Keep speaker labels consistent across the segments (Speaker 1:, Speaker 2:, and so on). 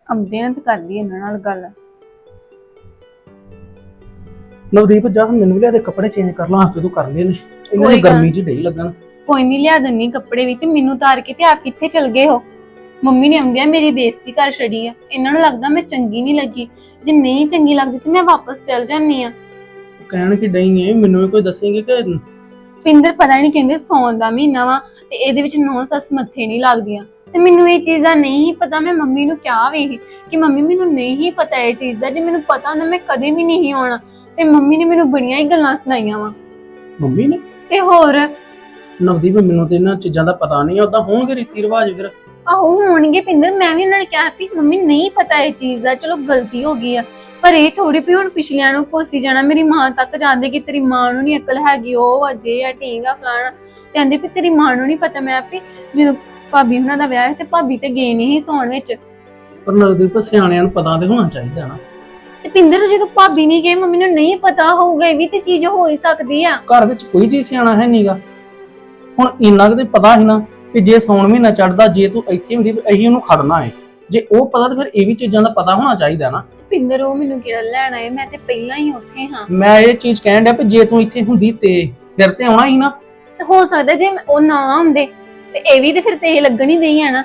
Speaker 1: ਆਉਂਦੇ ਨੇ ਤੇ ਕਰਦੀ ਇਹਨਾਂ ਨਾਲ ਗੱਲ।
Speaker 2: ਨਵਦੀਪ ਜਾ ਮੈਨੂੰ ਵੀ ਲਿਆ ਦੇ ਕੱਪੜੇ ਚੇਂਜ ਕਰ ਲਾਂ ਆਪੇ ਤੂੰ ਕਰ ਲਏ ਨੇ ਇਹਨਾਂ
Speaker 1: ਕੋਈ
Speaker 2: ਦੀ
Speaker 1: ਗੱਲ
Speaker 2: ਗਰਮੀ 'ਚ ਢਈ ਲੱਗਣ।
Speaker 1: ਕੋਈ ਨਹੀਂ ਲਿਆ ਦਿੰਨੀ ਕੱਪੜੇ ਵੀ, ਤੇ ਮੈਨੂੰ ਉਤਾਰ ਕੇ ਤੇ ਆਪ ਕਿੱਥੇ ਚਲ ਗਏ ਹੋ? ਮੰਮੀ ਨੇ ਆਉਂਦਿਆਂ ਮੇਰੀ ਬੇਇੱਜ਼ਤੀ ਕਰ ਛੜੀ ਆ। ਇਹਨਾਂ ਨੂੰ ਲੱਗਦਾ ਮੈਂ ਚੰਗੀ ਨਹੀਂ ਲੱਗੀ। ਜੇ ਨਹੀਂ ਚੰਗੀ ਲੱਗਦੀ ਤੇ ਮੈਂ ਵਾਪਸ ਚਲ ਜਾਂਦੀ ਆ।
Speaker 2: ਕਹਿਣ ਕਿ ਡਈ ਐ ਮੈਨੂੰ ਵੀ ਕੋਈ ਦੱਸੇਂਗੇ ਕਿ
Speaker 1: ਪਿੰਦਰ ਪਤਾ ਨਹੀਂ ਕਹਿੰਦੇ ਸੌਣ ਦਾ ਮਹੀਨਾ ਵਾ ਤੇ ਇਹਦੇ ਵਿੱਚ ਨੌ ਸੱਸ ਮੱਥੇ ਨਹੀਂ ਲੱਗਦੀਆਂ, ਤੇ ਮੈਨੂੰ ਇਹ ਚੀਜ਼ ਦਾ ਨਹੀਂ ਪਤਾ। ਮੈਂ ਮੰਮੀ ਨੂੰ ਕਿਹਾ ਵੀ ਕਿ ਮੰਮੀ ਮੈਨੂੰ ਨਹੀਂ ਪਤਾ ਇਹ ਚੀਜ਼ ਦਾ, ਜੇ ਮੈਨੂੰ ਪਤਾ ਹੁੰਦਾ ਮੈਂ ਕਦੇ ਵੀ ਨਹੀਂ ਆਉਣਾ। ਤੇ ਮੰਮੀ ਨੇ ਮੈਨੂੰ ਬੜੀਆਂ ਹੀ ਗੱਲਾਂ ਸੁਣਾਈਆਂ ਵਾ।
Speaker 2: ਮੰਮੀ ਨੇ?
Speaker 1: ਤੇ ਹੋਰ
Speaker 2: ਨਵਦੀਪ ਮੈਨੂੰ ਤੇ ਇਹਨਾਂ ਚੀਜ਼ਾਂ ਦਾ ਪਤਾ ਨਹੀਂ, ਉਦਾਂ ਹੋਣਗੇ ਰੀਤੀ ਰਿਵਾਜ ਫਿਰ।
Speaker 1: ਆਹੋ ਹੋਣਗੇ ਪਿੰਦਰ, ਮੈਂ ਵੀ ਉਹਨਾਂ ਨੇ ਕਿਹਾ ਵੀ ਮੰਮੀ ਨਹੀਂ ਪਤਾ ਇਹ ਚੀਜ਼ ਦਾ, ਚਲੋ ਗਲਤੀ ਹੋ ਗਈ ਆ, ਪਰ ਇਹ ਥੋੜੀ ਵੀ ਹੁਣ ਪਿਛਲਿਆਂ ਨੂੰ ਕੋਸੀ ਜਾਣਾ। ਮੇਰੀ ਮਾਂ ਤੱਕ ਜਾਂਦੇ ਕਿ ਤੇਰੀ ਮਾਂ ਨੂੰ ਨੀ ਅਕਲ ਹੈਗੀ, ਉਹ ਅਜੇ ਆ ਠੀਕ ਆ ਫਲਾਣਾ, ਤੇ ਕਹਿੰਦੇ ਵੀ ਤੇਰੀ ਮਾਂ ਨੂੰ ਨੀ ਪਤਾ। ਮੈਂ ਵੀ ਜਦੋਂ ਭਾਬੀ ਹੁਣਾਂ ਦਾ ਵਿਆਹ ਤੇ ਭਾਬੀ ਤੇ ਗਏ ਨਹੀਂ ਸੌਣ ਵਿੱਚ।
Speaker 2: ਪਰ ਨਵਦੀਪ ਸਿਆਣਿਆਂ ਨੂੰ ਪਤਾ ਤੇ ਹੋਣਾ ਚਾਹੀਦਾ ਨਾ।
Speaker 1: ਤੇ ਪਿੰਦਰ ਜਦੋਂ ਭਾਬੀ ਨਹੀਂ ਗਏ ਮੰਮੀ ਨੂੰ ਨਹੀਂ ਪਤਾ ਹੋਊਗਾ, ਇਹ ਵੀ ਤੇ ਚੀਜ਼ ਹੋ ਹੀ ਸਕਦੀ ਆ।
Speaker 2: ਘਰ ਵਿੱਚ ਕੋਈ ਚੀਜ਼ ਸਿਆਣਾ ਹੈ ਨਹੀਂਗਾ। ਹੁਣ ਇੰਨਾ ਕਿ ਪਤਾ ਸੀ ਨਾ ਕਿ ਜੇ ਸੌਣ ਮਹੀਨਾ ਚੜਦਾ ਜੇ ਤੂੰ ਇੱਥੇ ਹੁੰਦੀ ਤੇ ਅਸੀਂ ਉਹਨੂੰ ਖੜਨਾ ਹੈ। ਜੇ ਉਹ ਪਤਾ ਤਾਂ ਫਿਰ ਇਹ ਵੀ ਚੀਜ਼ਾਂ ਦਾ ਪਤਾ ਹੋਣਾ ਚਾਹੀਦਾ ਨਾ।
Speaker 1: ਪਿੰਦਰ ਉਹ ਮੈਨੂੰ ਕਿਹੜਾ ਲੈਣ ਆਏ, ਮੈਂ ਤੇ ਪਹਿਲਾਂ ਹੀ ਉੱਥੇ ਹਾਂ।
Speaker 2: ਮੈਂ ਇਹ ਚੀਜ਼ ਕਹਿਣ ਡਿਆ ਵੀ ਜੇ ਤੂੰ ਇੱਥੇ ਹੁੰਦੀ ਤੇ ਫਿਰ ਤੇ ਆਉਣਾ ਹੀ ਨਾ।
Speaker 1: ਤੇ ਹੋ ਸਕਦਾ ਜੇ ਉਹ ਨਾ ਆਉਂਦੇ ਤੇ ਇਹ ਵੀ ਤੇ ਫਿਰ ਤੇ ਲੱਗਣ ਹੀ ਨਹੀਂ ਆ ਨਾ।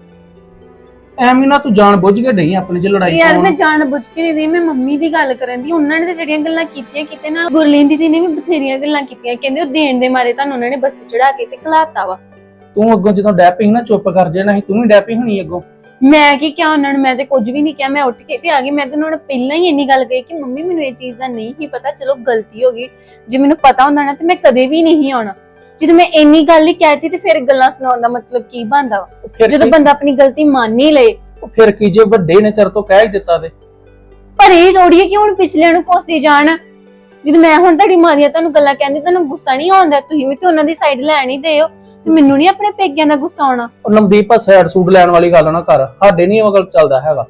Speaker 2: ਐਵੇਂ ਨਾ ਤੂੰ ਜਾਣ ਬੁੱਝ ਕੇ ਡਈ ਆਪਣੇ ਚ ਲੜਾਈ
Speaker 1: ਯਾਰ ਮੈਂ ਜਾਣ ਬੁੱਝ ਕੇ ਨਹੀਂ ਰਹੀ, ਮੈਂ ਮੰਮੀ ਦੀ ਗੱਲ ਕਰਨ ਦੀ। ਉਹਨਾਂ ਨੇ ਤੇ ਜਿਹੜੀਆਂ ਗੱਲਾਂ ਕੀਤੀਆਂ ਕਿਤੇ ਨਾਲ ਗੁਰਲੀਨ ਦੀ ਨੇ ਵੀ ਬਥੇਰੀਆਂ ਗੱਲਾਂ ਕੀਤੀਆਂ। ਕਹਿੰਦੇ ਉਹ ਦੇਣ ਦੇ ਮਾਰੇ ਤੁਹਾਨੂੰ ਉਹਨਾਂ ਨੇ ਬੱਸ ਚੜਾ ਕੇ ਤੇ ਘਲਾਤਾ ਵਾ।
Speaker 2: ਤੂੰ ਅੱਗੋਂ ਜਦੋਂ ਡੈਪੀ ਨਾ ਚੁੱਪ ਕਰ ਜਾਣਾ ਸੀ, ਤੂੰ ਵੀ ਡੈਪੀ ਹੋਣੀ ਅੱਗੋਂ।
Speaker 1: ਮੈਂ ਕੀ ਕਿਹਾ ਉਹਨਾਂ ਨੂੰ? ਮੈਂ ਤੇ ਕੁਝ ਵੀ ਨਹੀਂ ਕਿਹਾ, ਮੈਂ ਉੱਠ ਕੇ ਤੇ ਆ ਗਈ। ਮੈਂ ਤਾਂ ਉਹਨਾਂ ਨੂੰ ਪਹਿਲਾਂ ਹੀ ਇੰਨੀ ਗੱਲ ਕਹੀ ਕਿ ਮੰਮੀ ਮੈਨੂੰ ਇਹ ਚੀਜ਼ ਦਾ ਨਹੀਂ ਹੀ ਪਤਾ, ਚਲੋ ਗਲਤੀ ਹੋ ਗਈ। ਜੇ ਮੈਨੂੰ ਪਤਾ ਹੁੰਦਾ ਨਾ ਤੇ ਮੈਂ ਕਦੇ ਵੀ ਨਹੀਂ ਆਉਣਾ। ਜਦੋਂ ਮੈਂ ਇੰਨੀ ਗੱਲ ਹੀ ਕਹਿਤੀ ਤੇ ਫਿਰ ਗੱਲਾਂ ਸੁਣਾਉਣ ਦਾ ਮਤਲਬ ਕੀ ਬਣਦਾ ਵਾ? ਜਦੋਂ ਬੰਦਾ ਆਪਣੀ ਗਲਤੀ ਮੰਨ ਹੀ ਲਏ।
Speaker 2: ਫਿਰ ਕੀ ਜੇ ਵੱਡੇ ਨੇ ਤੇਰੇ ਤੋਂ ਕਹਿ ਹੀ ਦਿੱਤਾ ਤੇ?
Speaker 1: ਪਰ ਇਹ ਥੋੜੀ ਹੈ ਕਿ ਹੁਣ ਪਿਛਲਿਆਂ ਨੂੰ ਕੋਸੀ ਜਾਣ। ਜਦੋਂ ਮੈਂ ਹੁਣ ਤੁਹਾਡੀ ਮਾਂ ਦੀਆਂ ਤੁਹਾਨੂੰ ਗੱਲਾਂ ਕਹਿੰਦੀ ਤੁਹਾਨੂੰ ਗੁੱਸਾ ਨਹੀਂ ਆਉਂਦਾ? ਤੁਸੀਂ ਵੀ ਤੇ ਉਹਨਾਂ ਦੀ ਸਾਈਡ ਲੈਣ ਹੀ ਦਿਓ, ਤੇ ਮੈਨੂੰ ਨਹੀਂ ਆਪਣੇ ਪੇਕਿਆਂ ਦਾ ਗੁੱਸਾ ਆਉਣਾ।
Speaker 2: ਉਹ ਨਵਦੀਪ ਸਾਈਡ ਸੂਟ ਲੈਣ ਵਾਲੀ ਗੱਲ ਨਾ ਕਰ, ਸਾਡੇ ਨਹੀਂ ਉਹ ਗੱਲ ਚੱਲਦਾ ਹੈਗਾ।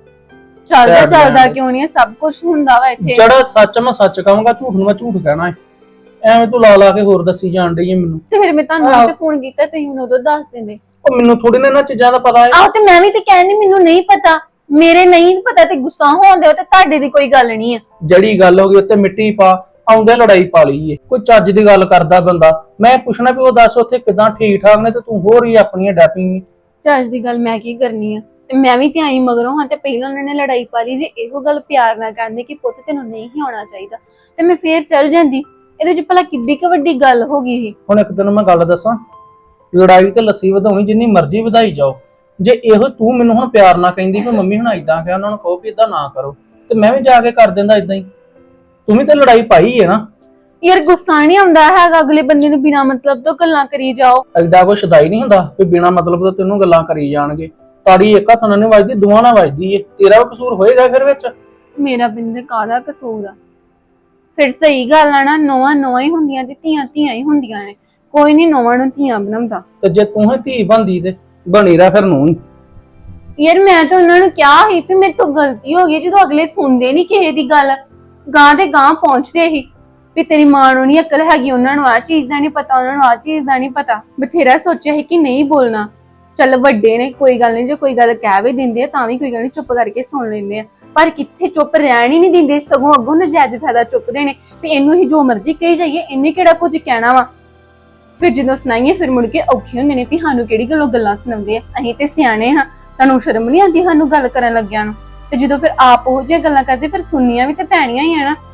Speaker 1: ਚੱਲਦਾ ਕਿਉਂ ਨਹੀਂ? ਸਭ ਕੁਝ ਹੁੰਦਾ ਵਾ ਇੱਥੇ।
Speaker 2: ਜਿਹੜਾ ਸੱਚ ਮੈਂ ਸੱਚ ਕਹਾਂਗਾ, ਝੂਠ ਨੂੰ ਮੈਂ ਝੂਠ ਕਹਿਣਾ ਹੈ। ਐਵੇਂ ਤੂੰ ਲਾ ਕੇ ਹੋਰ ਦੱਸੀ ਜਾਣ ਡਈ ਹੈ ਮੈਨੂੰ।
Speaker 1: ਤੇ ਫਿਰ ਮੈਂ ਤੁਹਾਨੂੰ ਤੇ ਫੋਨ ਕੀਤਾ, ਤੁਸੀਂ ਮੈਨੂੰ ਉਦੋਂ ਦੱਸ ਦਿੰਦੇ।
Speaker 2: ਉਹ ਮੈਨੂੰ ਥੋੜੀ ਨਾ ਇਹਨਾਂ ਚੀਜ਼ਾਂ ਦਾ ਪਤਾ ਹੈ।
Speaker 1: ਆਹੋ ਤੇ ਮੈਂ ਵੀ ਤੇ ਕਹਿੰਦੀ ਮੈਨੂੰ ਨਹੀਂ ਪਤਾ, ਮੇਰੇ ਨਹੀਂ ਪਤਾ ਤੇ ਗੁੱਸਾ ਹੋਉਂਦੇ ਹੋ, ਤੇ ਤੁਹਾਡੇ ਦੀ ਕੋਈ ਗੱਲ ਨਹੀਂ ਆ।
Speaker 2: ਜਿਹੜੀ ਗੱਲ ਹੋ ਗਈ ਉੱਤੇ ਮਿੱਟੀ ਪਾ, ਆਉਂਦੇ ਲੜਾਈ ਪਾ ਲਈ ਏ। ਕੋਈ ਚੱਜ ਦੀ ਗੱਲ ਕਰਦਾ ਬੰਦਾ, ਮੈਂ ਪੁੱਛਣਾ ਵੀ ਉਹ ਦੱਸ ਉੱਥੇ ਕਿਦਾਂ ਠੀਕ ਠਾਕ ਨੇ, ਤੇ ਤੂੰ ਹੋਰ ਹੀ ਆਪਣੀਆਂ ਡੈਪਿੰਗ।
Speaker 1: ਚੱਜ ਦੀ ਗੱਲ ਮੈਂ ਕੀ ਕਰਨੀ ਆ? ਤੇ ਮੈਂ ਵੀ ਤੇ ਆਈ ਮਗਰੋਂ ਹਾਂ, ਤੇ ਪਹਿਲਾਂ ਉਹਨਾਂ ਨੇ ਲੜਾਈ ਪਾ ਲਈ। ਜੇ ਇਹੋ ਗੱਲ ਪਿਆਰ ਨਾਲ ਕਹਿੰਦੇ ਕਿ ਪੁੱਤ ਤੈਨੂੰ ਨਹੀਂ ਆਉਣਾ ਚਾਹੀਦਾ, ਤੇ ਮੈਂ ਫੇਰ ਚੱਲ ਜਾਂਦੀ। ਇਹਦੇ ਚ ਭਲਾ ਕਿੱਡੀ ਕੁ ਵੱਡੀ ਗੱਲ ਹੋ ਗਈ ਸੀ?
Speaker 2: ਹੁਣ ਇੱਕ ਦਿਨ ਮੈਂ ਗੱਲ ਦੱਸਾਂ, ਲੜਾਈ ਤੇ ਲੱਸੀ ਵਧਾਉਣੀ ਜਿੰਨੀ ਮਰਜ਼ੀ ਵਧਾਈ ਜਾਓ। ਜੇ ਇਹੋ ਤੂੰ ਮੈਨੂੰ ਹੁਣ ਪਿਆਰ ਨਾਲ ਕਹਿੰਦੀ ਕਿ ਮੰਮੀ ਹੁਣ ਏਦਾਂ ਕਿਹਾ, ਉਹਨਾਂ ਨੂੰ ਕਹੋ ਵੀ ਏਦਾਂ ਨਾ ਕਰੋ, ਤੇ ਮੈਂ ਵੀ ਜਾ ਕੇ ਕਰ ਦਿੰਦਾ ਏਦਾਂ ਹੀ। ਤੂੰ ਵੀ ਤੇ ਲੜਾਈ ਪਾਈ ਹੈ ਨਾ।
Speaker 1: ਯਾਰ ਗੁੱਸਾ ਨਹੀਂ ਆਉਂਦਾ ਹੈਗਾ ਅਗਲੇ ਬੰਦੇ ਨੂੰ ਬਿਨਾਂ ਮਤਲਬ ਤੋਂ ਗੱਲਾਂ ਕਰੀ ਜਾਓ।
Speaker 2: ਐਡਾ ਕੋਈ ਸ਼ਦਾਈ ਨਹੀਂ ਹੁੰਦਾ ਵੀ ਬਿਨਾਂ ਮਤਲਬ ਤੋਂ ਤੈਨੂੰ ਗੱਲਾਂ ਕਰੀ ਜਾਣਗੇ। ਤਾੜੀ ਇੱਕ ਹੱਥ ਨਾਲ ਨਹੀਂ ਵੱਜਦੀ, ਦੋਵਾਂ ਨਾਲ ਵੱਜਦੀ ਏ। ਤੇਰਾ ਵੀ ਕਸੂਰ ਹੋਏਗਾ ਫਿਰ ਵਿੱਚ।
Speaker 1: ਮੇਰਾ ਬਿੰਦਰ ਕਾਹਦਾ ਕਸੂਰ ਆ? ਫਿਰ ਸਹੀ ਗੱਲ ਆ ਨਾ, ਨੋਆਂ ਹੀ ਹੁੰਦੀਆਂ ਤੇ ਧੀਆਂ ਧੀਆਂ ਹੀ ਹੁੰਦੀਆਂ ਨੇ। ਕੋਈ ਨਹੀਂ ਨੋਆਂ ਨੂੰ ਧੀਆਂ ਬਣਾਉਂਦਾ।
Speaker 2: ਤੇ ਜੇ ਤੂੰ ਹੀ ਧੀ ਬਣਦੀ ਤੇ ਬਣੀ ਰਹਿ ਫਿਰ ਨੂੰ ਹੀ।
Speaker 1: ਯਾਰ ਮੈਂ ਤਾਂ ਉਹਨਾਂ ਨੂੰ ਕਿਹਾ ਸੀ ਵੀ ਮੇਰੇ ਤੋਂ ਗਲਤੀ ਹੋ ਗਈ, ਜਦੋਂ ਅਗਲੇ ਸੁਣਦੇ ਨਹੀਂ ਕਿਸੇ ਦੀ ਗੱਲ, ਗਾਂ ਦੇ ਗਾਂ ਪਹੁੰਚਦੇ ਸੀ ਵੀ ਤੇਰੀ ਮਾਂ ਨੂੰ ਨਹੀਂ ਅਕਲ ਹੈਗੀ, ਉਹਨਾਂ ਨੂੰ ਆਹ ਚੀਜ਼ ਦਾ ਨਹੀਂ ਪਤਾ, ਉਹਨਾਂ ਨੂੰ ਆਹ ਚੀਜ਼ ਦਾ ਨਹੀਂ ਪਤਾ। ਬਥੇਰਾ ਸੋਚਿਆ ਸੀ ਕਿ ਨਹੀਂ ਬੋਲਣਾ, ਚੱਲ ਵੱਡੇ ਨੇ ਕੋਈ ਗੱਲ ਨਹੀਂ, ਜੇ ਕੋਈ ਗੱਲ ਕਹਿ ਵੀ ਦਿੰਦੇ ਆ ਤਾਂ ਵੀ ਕੋਈ ਗੱਲ ਨਹੀਂ, ਚੁੱਪ ਕਰਕੇ ਸੁਣ ਲੈਂਦੇ ਆ। ਪਰ ਕਿੱਥੇ ਚੁੱਪ ਰਹਿਣ ਹੀ ਨਹੀਂ ਦਿੰਦੇ, ਸਗੋਂ ਅੱਗੋਂ ਨਜਾਇਜ਼ ਫਾਇਦਾ ਚੁੱਕਦੇ ਨੇ ਵੀ ਇਹਨੂੰ ਹੀ ਜੋ ਮਰਜ਼ੀ ਕਹੀ ਜਾਈਏ, ਇਹਨੇ ਕਿਹੜਾ ਕੁਝ ਕਹਿਣਾ ਵਾ। ਫਿਰ ਜਦੋਂ ਸੁਣਾਈਏ ਫਿਰ ਮੁੜ ਕੇ ਔਖੇ ਹੁੰਦੇ ਨੇ ਵੀ ਸਾਨੂੰ ਕਿਹੜੀ ਗੱਲੋਂ ਗੱਲਾਂ ਸੁਣਾਉਂਦੇ ਆ, ਅਸੀਂ ਤੇ ਸਿਆਣੇ ਹਾਂ, ਤੁਹਾਨੂੰ ਸ਼ਰਮ ਨਹੀਂ ਆਉਂਦੀ ਸਾਨੂੰ ਗੱਲ ਕਰਨ ਲੱਗਿਆਂ ਨੂੰ? ਤੇ ਜਦੋਂ ਫਿਰ ਆਪ ਉਹ ਜਿਹੀਆਂ ਗੱਲਾਂ ਕਰਦੇ ਫਿਰ ਸੁਣਨੀਆਂ ਵੀ ਤੇ ਪੈਣੀਆਂ ਹੀ ਆ ਨਾ।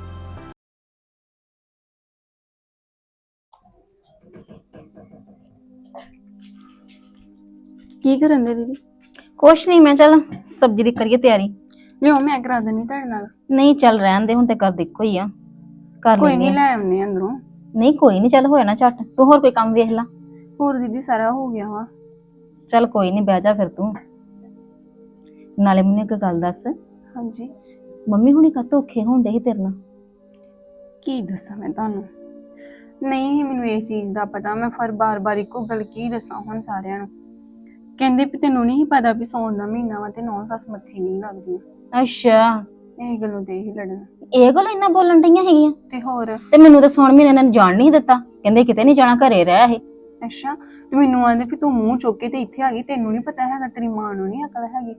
Speaker 1: ਕੀ ਕਰਨ ਦੇ ਦੀਦੀ?
Speaker 3: ਕੁਛ ਨਹੀਂ, ਮੈਂ ਚੱਲ ਸਬਜ਼ੀ ਦੀ ਕਰੀਏ ਤਿਆਰੀ।
Speaker 1: ਲਿਓ ਮੈਂ ਕਰਾ ਦਿੰਦੀ ਤੁਹਾਡੇ ਨਾਲ।
Speaker 3: ਨਹੀਂ ਚੱਲ ਰਹਿਣ ਦੇ, ਹੁਣ ਤੇ ਕਰ ਇੱਕੋ ਹੀ ਆ, ਕਰ
Speaker 1: ਕੋਈ
Speaker 3: ਲੈਂਦੇ
Speaker 1: ਨਹੀਂ,
Speaker 3: ਆ।
Speaker 1: ਲੈ ਆਉਂਦੇ ਅੰਦਰੋਂ।
Speaker 3: ਨਹੀਂ ਕੋਈ ਨਹੀਂ, ਚੱਲ ਹੋ ਜਾਣਾ ਝੱਟ। ਤੂੰ ਹੋਰ ਕੋਈ ਕੰਮ ਵੇਖ ਲਾ।
Speaker 1: ਹੋਰ ਦੀਦੀ ਸਾਰਾ ਹੋ ਗਿਆ ਵਾ।
Speaker 3: ਚੱਲ ਕੋਈ ਨਹੀਂ, ਬਹਿ ਜਾ ਫਿਰ ਤੂੰ। ਨਾਲੇ ਮੈਨੂੰ ਇੱਕ ਗੱਲ ਦੱਸ,
Speaker 1: ਹਾਂਜੀ
Speaker 3: ਮੰਮੀ ਹੁਣੀ ਕਾਹਤੋਂ ਔਖੇ ਹੋਣ ਡੇ ਸੀ ਤੇਰੇ ਨਾਲ?
Speaker 1: ਕੀ ਦੱਸਾਂ ਮੈਂ ਤੁਹਾਨੂੰ? ਨਹੀਂ ਮੈਨੂੰ ਇਹ ਚੀਜ਼ ਦਾ ਪਤਾ, ਮੈਂ ਫਿਰ ਬਾਰ-ਬਾਰ ਇੱਕੋ ਗੱਲ ਕੀ ਦੱਸਾਂ ਹੁਣ ਸਾਰਿਆਂ ਨੂੰ? ਕਹਿੰਦੇ ਵੀ ਤੈਨੂੰ ਨਹੀਂ ਪਤਾ ਵੀ ਸੌਣ ਦਾ ਮਹੀਨਾ ਵਾ ਤੇ ਨੌ ਸੱਸ ਮੱਥੇ ਨਹੀਂ ਲੱਗਦੀ।
Speaker 3: ਅੱਛਾ,
Speaker 1: ਇਹ ਗੱਲੋਂ ਤੇ ਹੀ ਲੜਨ।
Speaker 3: ਇਹ ਗੱਲ ਇੰਨਾ ਬੋਲਣ ਡਈਆਂ ਹੈਗੀਆਂ?
Speaker 1: ਤੇ ਹੋਰ।
Speaker 3: ਤੇ ਮੈਨੂੰ ਤਾਂ ਸੌਣ ਮਹੀਨੇ ਇਹਨਾਂ ਨੇ ਜਾਣ ਨਹੀਂ ਦਿੱਤਾ, ਕਹਿੰਦੇ ਕਿਤੇ ਨਹੀਂ ਜਾਣਾ, ਘਰੇ ਰਹਿ ਇਹ।
Speaker 1: ਅੱਛਾ, ਤੇ ਮੈਨੂੰ ਆਂਦੇ ਵੀ ਤੂੰ ਮੂੰਹ ਚੁੱਕ ਕੇ ਤੇ ਇੱਥੇ ਆ ਗਈ, ਤੈਨੂੰ ਨਹੀਂ ਪਤਾ ਹੈਗਾ, ਤੇਰੀ ਮਾਂ ਨੂੰ ਨਹੀਂ ਅਕਲ ਹੈਗੀ।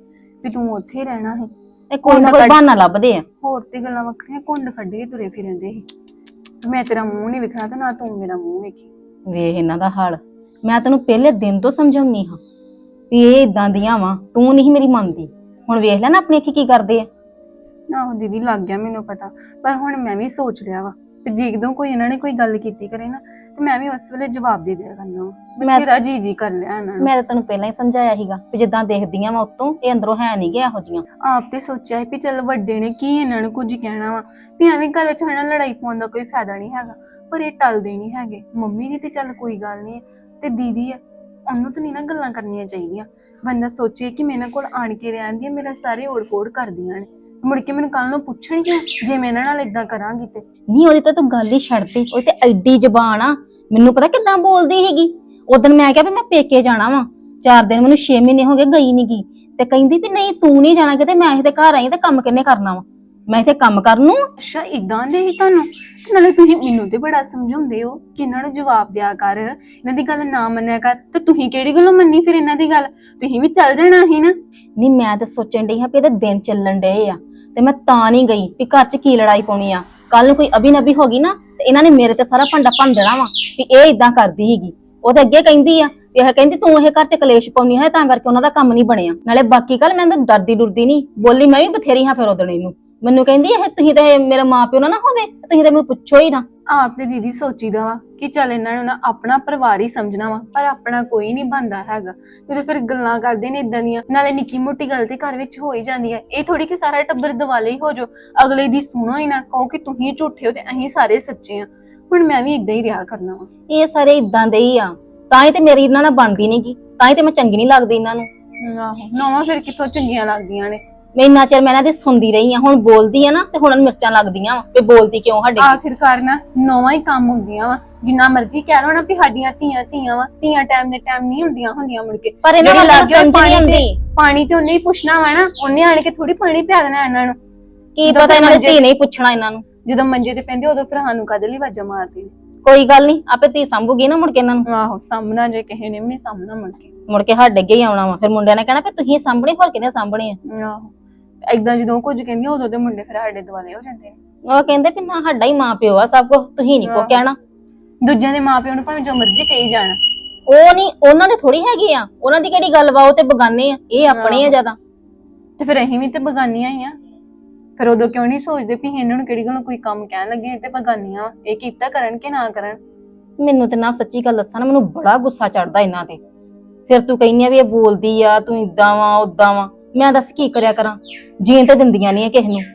Speaker 1: ਵੀ ਤੂੰ ਉੱਥੇ ਹੀ ਰਹਿਣਾ ਸੀ।
Speaker 3: ਇਹ ਕੋਈ ਨਾ ਕੋਈ ਬਹਾਨਾ ਲੱਭਦੇ ਆ।
Speaker 1: ਹੋਰ ਤੇ ਗੱਲਾਂ ਵੱਖਰੀਆਂ, ਕੁੰਡ ਕੱਢ ਕੇ ਤੁਰੇ ਫਿਰਦੇ ਸੀ। ਮੈਂ ਤੇਰਾ ਮੂੰਹ ਨਹੀਂ ਵੇਖਣਾ ਤੇ ਨਾ ਤੂੰ ਮੇਰਾ ਮੂੰਹ ਵੇਖੀ।
Speaker 3: ਵੇਖ ਇਹਨਾਂ ਦਾ ਹਾਲ। ਮੈਂ ਤੈਨੂੰ ਪਹਿਲੇ ਦਿਨ ਤੋਂ ਸਮਝਾਉਣੀ ਹਾਂ ਵੀ ਇਹ ਇਦਾਂ ਦੀਆਂ ਵਾ, ਤੂੰ ਨਹੀਂ ਮੇਰੀ ਮੰਨਦੀ। ਹੁਣ ਵੇਖ ਲੈ ਨਾ ਆਪਣੀ ਅੱਖੀ ਕੀ ਕਰਦੇ ਆ।
Speaker 1: ਆਹੋ ਦੀਦੀ, ਲੱਗ ਗਿਆ ਮੈਨੂੰ ਪਤਾ, ਪਰ ਹੁਣ ਮੈਂ ਵੀ ਸੋਚ ਲਿਆ ਵਾ ਕਿ ਜਦੋਂ ਕੋਈ ਇਹਨਾਂ ਨੇ ਕੋਈ ਗੱਲ ਕੀਤੀ ਕਰੇ ਨਾ ਤੇ ਮੈਂ ਵੀ ਉਸ ਵੇਲੇ ਜਵਾਬ ਦੇ ਦਿਆ ਕਰਨਾ ਵਾ।
Speaker 3: ਮੈਂ
Speaker 1: ਤੇਰਾ ਜੀ ਕਰ ਲਿਆ ਇਹਨਾਂ ਨੂੰ।
Speaker 3: ਮੈਂ ਤਾਂ ਤੈਨੂੰ ਪਹਿਲਾਂ ਹੀ ਸਮਝਾਇਆ ਸੀਗਾ ਵੀ ਜਿੱਦਾਂ ਦੇਖਦੀਆਂ ਵਾ ਉਤੋਂ ਇਹ ਅੰਦਰੋਂ ਹੈ ਨਹੀਂ ਗਿਆ ਇਹੋ ਜੀਆਂ।
Speaker 1: ਆਪ ਤੇ ਸੋਚਿਆ ਸੀ ਵੀ ਚੱਲ ਵੱਡੇ ਨੇ ਕੀ ਇਹਨਾਂ ਨੂੰ ਕੁਝ ਕਹਿਣਾ ਵਾ, ਵੀ ਐਵੇਂ ਘਰ ਵਿੱਚ ਹਨਾ ਲੜਾਈ ਪਾਉਣ ਦਾ ਕੋਈ ਫਾਇਦਾ ਨਹੀਂ ਹੈਗਾ, ਪਰ ਇਹ ਟਲਦੇ ਨਹੀਂ ਹੈਗੇ। ਮੰਮੀ ਨੇ ਤੇ ਚੱਲ ਕੋਈ ਗੱਲ ਨਹੀਂ ਤੇ ਦੀਦੀ ਆ, ਉਹਨੂੰ ਤਾਂ ਨਹੀਂ ਨਾ ਗੱਲਾਂ ਕਰਨੀਆਂ ਚਾਹੀਦੀਆਂ। ਬੰਦਾ ਸੋਚੇ ਕਿ ਮੇਰੇ ਕੋਲ ਆਣ ਕੇ ਰਹਿੰਦੀਆਂ, ਮੇਰਾ ਸਾਰੇ ਓੜ-ਪੋੜ ਕਰਦੀਆਂ ਨੇ, ਮੁੜ ਕੇ ਮੈਨੂੰ ਕੱਲ ਨੂੰ ਪੁੱਛਣਗੀਆਂ ਜੇ ਮੈਂ ਇਹਨਾਂ ਨਾਲ ਇਦਾਂ ਕਰਾਂਗੀ ਤੇ।
Speaker 3: ਨਹੀਂ ਉਹਦੀ ਤਾਂ ਤੂੰ ਗੱਲ ਹੀ ਛੱਡਦੀ, ਉਹ ਤੇ ਐਡੀ ਜ਼ਬਾਨ ਆ। ਮੈਨੂੰ ਪਤਾ ਕਿੱਦਾਂ ਬੋਲਦੀ ਸੀਗੀ। ਉਦੋਂ ਮੈਂ ਕਿਹਾ ਵੀ ਮੈਂ ਪੇਕੇ ਜਾਣਾ ਵਾ, 4 ਦਿਨ ਮੈਨੂੰ 6 ਮਹੀਨੇ ਹੋ ਗਏ ਗਈ ਨੀ ਗੀ, ਤੇ ਕਹਿੰਦੀ ਵੀ ਨਹੀਂ ਤੂੰ ਨਹੀਂ ਜਾਣਾ ਕਿਤੇ, ਮੈਂ ਇਹਦੇ ਘਰ ਆਈ ਤੇ ਕੰਮ ਕਿੰਨੇ ਕਰਨਾ ਵਾ, ਮੈਂ ਇੱਥੇ ਕੰਮ ਕਰਨ ਨੂੰ।
Speaker 1: ਅੱਛਾ ਇਦਾਂ ਦੇ ਹੀ ਤੁਹਾਨੂੰ? ਨਾਲੇ ਤੁਸੀਂ ਮੈਨੂੰ ਤੇ ਬੜਾ ਸਮਝਾਉਂਦੇ ਹੋ ਕਿ ਇਹਨਾਂ ਨੂੰ ਜਵਾਬ ਦਿਆ ਕਰ, ਇਹਨਾਂ ਦੀ ਗੱਲ ਨਾ ਮੰਨਿਆ ਕਰ, ਤੇ ਤੁਸੀਂ ਕਿਹੜੀ ਗੱਲੋਂ ਮੰਨੀ ਫਿਰ ਇਹਨਾਂ ਦੀ ਗੱਲ? ਤੁਸੀਂ ਵੀ ਚੱਲ ਜਾਣਾ ਸੀ ਨਾ।
Speaker 3: ਨਹੀਂ ਮੈਂ ਤਾਂ ਸੋਚਣ ਡਈ ਹਾਂ ਵੀ ਇਹਦੇ ਦਿਨ ਚੱਲਣ ਡਏ ਆ ਤੇ ਮੈਂ ਤਾਂ ਨਹੀਂ ਗਈ ਵੀ ਘਰ 'ਚ ਕੀ ਲੜਾਈ ਪਾਉਣੀ ਆ। ਕੱਲ ਨੂੰ ਕੋਈ ਅਬੀ-ਨਬੀ ਹੋ ਗਈ ਨਾ ਤੇ ਇਹਨਾਂ ਨੇ ਮੇਰੇ ਤੇ ਸਾਰਾ ਭੰਡਾ ਭੰਨ ਦੇਣਾ ਵਾ ਵੀ ਇਹ ਇਦਾਂ ਕਰਦੀ ਸੀਗੀ। ਉਹ ਤੇ ਅੱਗੇ ਕਹਿੰਦੀ ਆ ਵੀ ਇਹ ਕਹਿੰਦੀ ਤੂੰ ਇਹ ਘਰ 'ਚ ਕਲੇਸ਼ ਪਾਉਣੀ ਹੈ ਤਾਂ ਕਰਕੇ ਉਹਨਾਂ ਦਾ ਕੰਮ ਨਹੀਂ ਬਣਿਆ। ਨਾਲੇ ਬਾਕੀ ਗੱਲ ਮੈਂ ਤਾਂ ਡਰਦੀ ਡੁਰਦੀ ਨਹੀਂ ਬੋਲੀ, ਮੈਂ ਵੀ ਬਥੇਰੀ ਹਾਂ ਫਿਰ ਉਦੋਂ ਇਹਨੂੰ। ਮੈਨੂੰ ਕਹਿੰਦੀ ਇਹ ਤੁਸੀਂ ਤੇ ਮੇਰੇ ਮਾਪਿਓ ਨਾ ਹੋਵੇ, ਤੁਸੀਂ ਤੇ ਮੈਨੂੰ ਪੁੱਛੋ ਹੀ ਨਾ।
Speaker 1: ਆਪ ਤੇ ਦੀਦੀ ਸੋਚੀਦਾ ਵਾ ਕਿ ਚੱਲ ਇਹਨਾਂ ਨੂੰ ਨਾ ਆਪਣਾ ਪਰਿਵਾਰ ਹੀ ਸਮਝਣਾ ਵਾ, ਪਰ ਆਪਣਾ ਕੋਈ ਨਹੀਂ ਬਣਦਾ ਹੈਗਾ। ਜਦੋਂ ਫਿਰ ਗੱਲਾਂ ਕਰਦੇ ਨੇ ਇਦਾਂ ਦੀਆਂ, ਨਾਲੇ ਨਿੱਕੀ ਮੋਟੀ ਗੱਲ ਤੇ ਘਰ ਵਿੱਚ ਹੋ ਹੀ ਜਾਂਦੀ ਹੈ। ਇਹ ਥੋੜੀ ਕਿ ਸਾਰਾ ਟੱਬਰ ਦਿਵਾਲੇ ਹੀ ਹੋ ਜਾਓ, ਅਗਲੇ ਦੀ ਸੁਣੋ ਹੀ ਨਾ, ਕਹੋ ਕਿ ਤੁਸੀਂ ਝੂਠੇ ਹੋ ਤੇ ਅਸੀਂ ਸਾਰੇ ਸੱਚੇ ਆ। ਹੁਣ ਮੈਂ ਵੀ ਇਦਾਂ ਹੀ ਰਿਹਾ ਕਰਨਾ ਵਾ।
Speaker 3: ਇਹ ਸਾਰੇ ਇਦਾਂ ਦੇ ਹੀ ਆ, ਤਾਂ ਹੀ ਤੇ ਮੇਰੀ ਇਹਨਾਂ ਨਾਲ ਬਣਦੀ ਨੀ ਗੀ, ਤਾਂ ਹੀ ਤੇ ਮੈਂ ਚੰਗੀ ਨਹੀਂ ਲੱਗਦੀ ਇਹਨਾਂ ਨੂੰ।
Speaker 1: ਆਹੋ ਨਵਾਂ ਫਿਰ ਕਿੱਥੋਂ ਚੰਗੀਆਂ ਲੱਗਦੀਆਂ ਨੇ।
Speaker 3: ਮੈਂ ਇੰਨਾ ਚਿਰ ਮੈਂ ਇਹਨਾਂ ਦੀ ਸੁਣਦੀ ਰਹੀ ਆ, ਹੁਣ ਬੋਲਦੀ ਆ ਨਾ ਤੇ ਹੁਣ ਮਿਰਚਾਂ ਲੱਗਦੀਆਂ ਵਾ ਵੀ ਬੋਲਦੀ ਕਿਉਂ ਸਾਡੇ।
Speaker 1: ਆਖਿਰਕਾਰ ਨਾ ਨਵਾਂ ਹੀ ਕੰਮ ਹੁੰਦੀਆਂ ਵਾ, ਜਿੰਨਾ ਮਰਜ਼ੀ ਕਹਿ ਲੋ ਨਾ ਵੀ ਸਾਡੀਆਂ ਧੀਆਂ ਵਾ, ਧੀਆਂ ਟਾਈਮ ਦੇ ਟਾਈਮ ਨਹੀਂ ਹੁੰਦੀਆਂ ਮੁੜ ਕੇ।
Speaker 3: ਪਰ ਇਹਨਾਂ ਨੂੰ
Speaker 1: ਲੱਗ
Speaker 3: ਸਮਝ ਨਹੀਂ ਆਉਂਦੀ।
Speaker 1: ਪਾਣੀ ਤੇ ਉਹਨੇ ਹੀ ਪੁੱਛਣਾ ਵਾ ਨਾ, ਉਹਨੇ ਆਣ ਕੇ ਥੋੜੀ ਪਾਣੀ ਪਿਆ ਦੇਣਾ ਇਹਨਾਂ ਨੂੰ।
Speaker 3: ਕੀ ਪਤਾ ਇਹਨਾਂ ਦੀ ਧੀ ਨਹੀਂ ਪੁੱਛਣਾ ਇਹਨਾਂ ਨੂੰ।
Speaker 1: ਜਦੋਂ ਮੰਜੇ ਤੇ ਪੈਂਦੇ ਉਦੋਂ ਫਿਰ ਸਾਨੂੰ ਕਾਹਦੇ ਲਈ ਆਵਾਜ਼ਾਂ ਮਾਰਦੀ ਨੇ।
Speaker 3: ਕੋਈ ਗੱਲ ਨਹੀਂ, ਆਪੇ ਧੀ ਸੰਭੂਗੀ ਨਾ ਮੁੜ ਕੇ ਇਹਨਾਂ ਨੂੰ।
Speaker 1: ਆਹੋ ਸਾਹਮਣਾ ਜੇ ਕਿਸੇ ਨੇ ਵੀ ਨਹੀਂ ਸਾਹਮਣਾ
Speaker 3: ਮੁੜ ਕੇ ਸਾਡੇ ਅੱਗੇ ਹੀ ਆਉਣਾ ਵਾ, ਫਿਰ ਮੁੰਡਿਆਂ ਨੇ ਕਹਿਣਾ ਵੀ ਤੁਸੀਂ ਸਾਂਭਣੇ, ਹੋਰ ਕਿਹਨੇ ਸਾਂਭਣੇ ਆ।
Speaker 1: ਆਹੋ ਏਦਾਂ ਜਦੋਂ ਕੁਝ ਕਹਿੰਦੀਆਂ ਉਦੋਂ ਦੇ ਮੁੰਡੇ ਫਿਰ ਸਾਡੇ ਦੁਆਲੇ ਹੋ ਜਾਂਦੇ ਨੇ।
Speaker 3: ਉਹ ਕਹਿੰਦੇ ਵੀ ਨਾ ਸਾਡਾ ਹੀ ਮਾਂ ਪਿਓ ਆ ਸਭ ਕੁਝ, ਤੁਸੀਂ ਨਹੀਂ ਕੋ ਕਹਿਣਾ।
Speaker 1: ਦੂਜਿਆਂ ਦੇ ਮਾਪਿਆਂ ਨੂੰ ਭਾਵੇਂ ਜੋ ਮਰਜ਼ੀ ਕਹੀ ਜਾਣ,
Speaker 3: ਉਹ ਨਹੀਂ, ਉਹਨਾਂ ਦੇ ਥੋੜੀ ਹੈਗੇ ਆ, ਉਹਨਾਂ ਦੀ ਕਿਹੜੀ ਗੱਲ ਵਾ, ਉਹ ਤੇ ਬਗਾਨੇ ਆ, ਇਹ ਆਪਣੇ ਆ ਜ਼ਿਆਦਾ।
Speaker 1: ਤੇ ਫਿਰ ਅਸੀਂ ਵੀ ਤੇ ਬਗਾਨੀਆਂ ਹੀ ਆ। ਫਿਰ ਉਦੋਂ ਕਿਉਂ ਨਹੀਂ ਸੋਚਦੇ ਵੀ ਇਹਨਾਂ ਨੂੰ ਕਿਹੜੀ ਗੱਲੋਂ ਕੋਈ ਕੰਮ ਕਹਿਣ ਲੱਗੇ ਤੇ ਬਗਾਨੀਆਂ ਇਹ ਕੀਤਾ ਕਰਨ ਕਿ ਨਾ ਕਰਨ।
Speaker 3: ਮੈਨੂੰ ਤੇ ਨਾ ਸੱਚੀ ਗੱਲ ਦੱਸਾਂ ਨਾ, ਮੈਨੂੰ ਬੜਾ ਗੁੱਸਾ ਚੜਦਾ ਇਹਨਾਂ ਤੇ। ਫਿਰ ਤੂੰ ਕਹਿੰਦੀ ਆ ਵੀ ਇਹ ਬੋਲਦੀ ਆ, ਤੂੰ ਇਦਾਂ ਵਾ ਉਦਾਂ ਵਾ, ਮੈਂ ਦੱਸ ਕੀ ਕਰਿਆ ਕਰਾਂ? ਜੀਣ ਤੇ ਦਿੰਦੀਆਂ ਨਹੀਂ ਕਿਸੇ ਨੂੰ।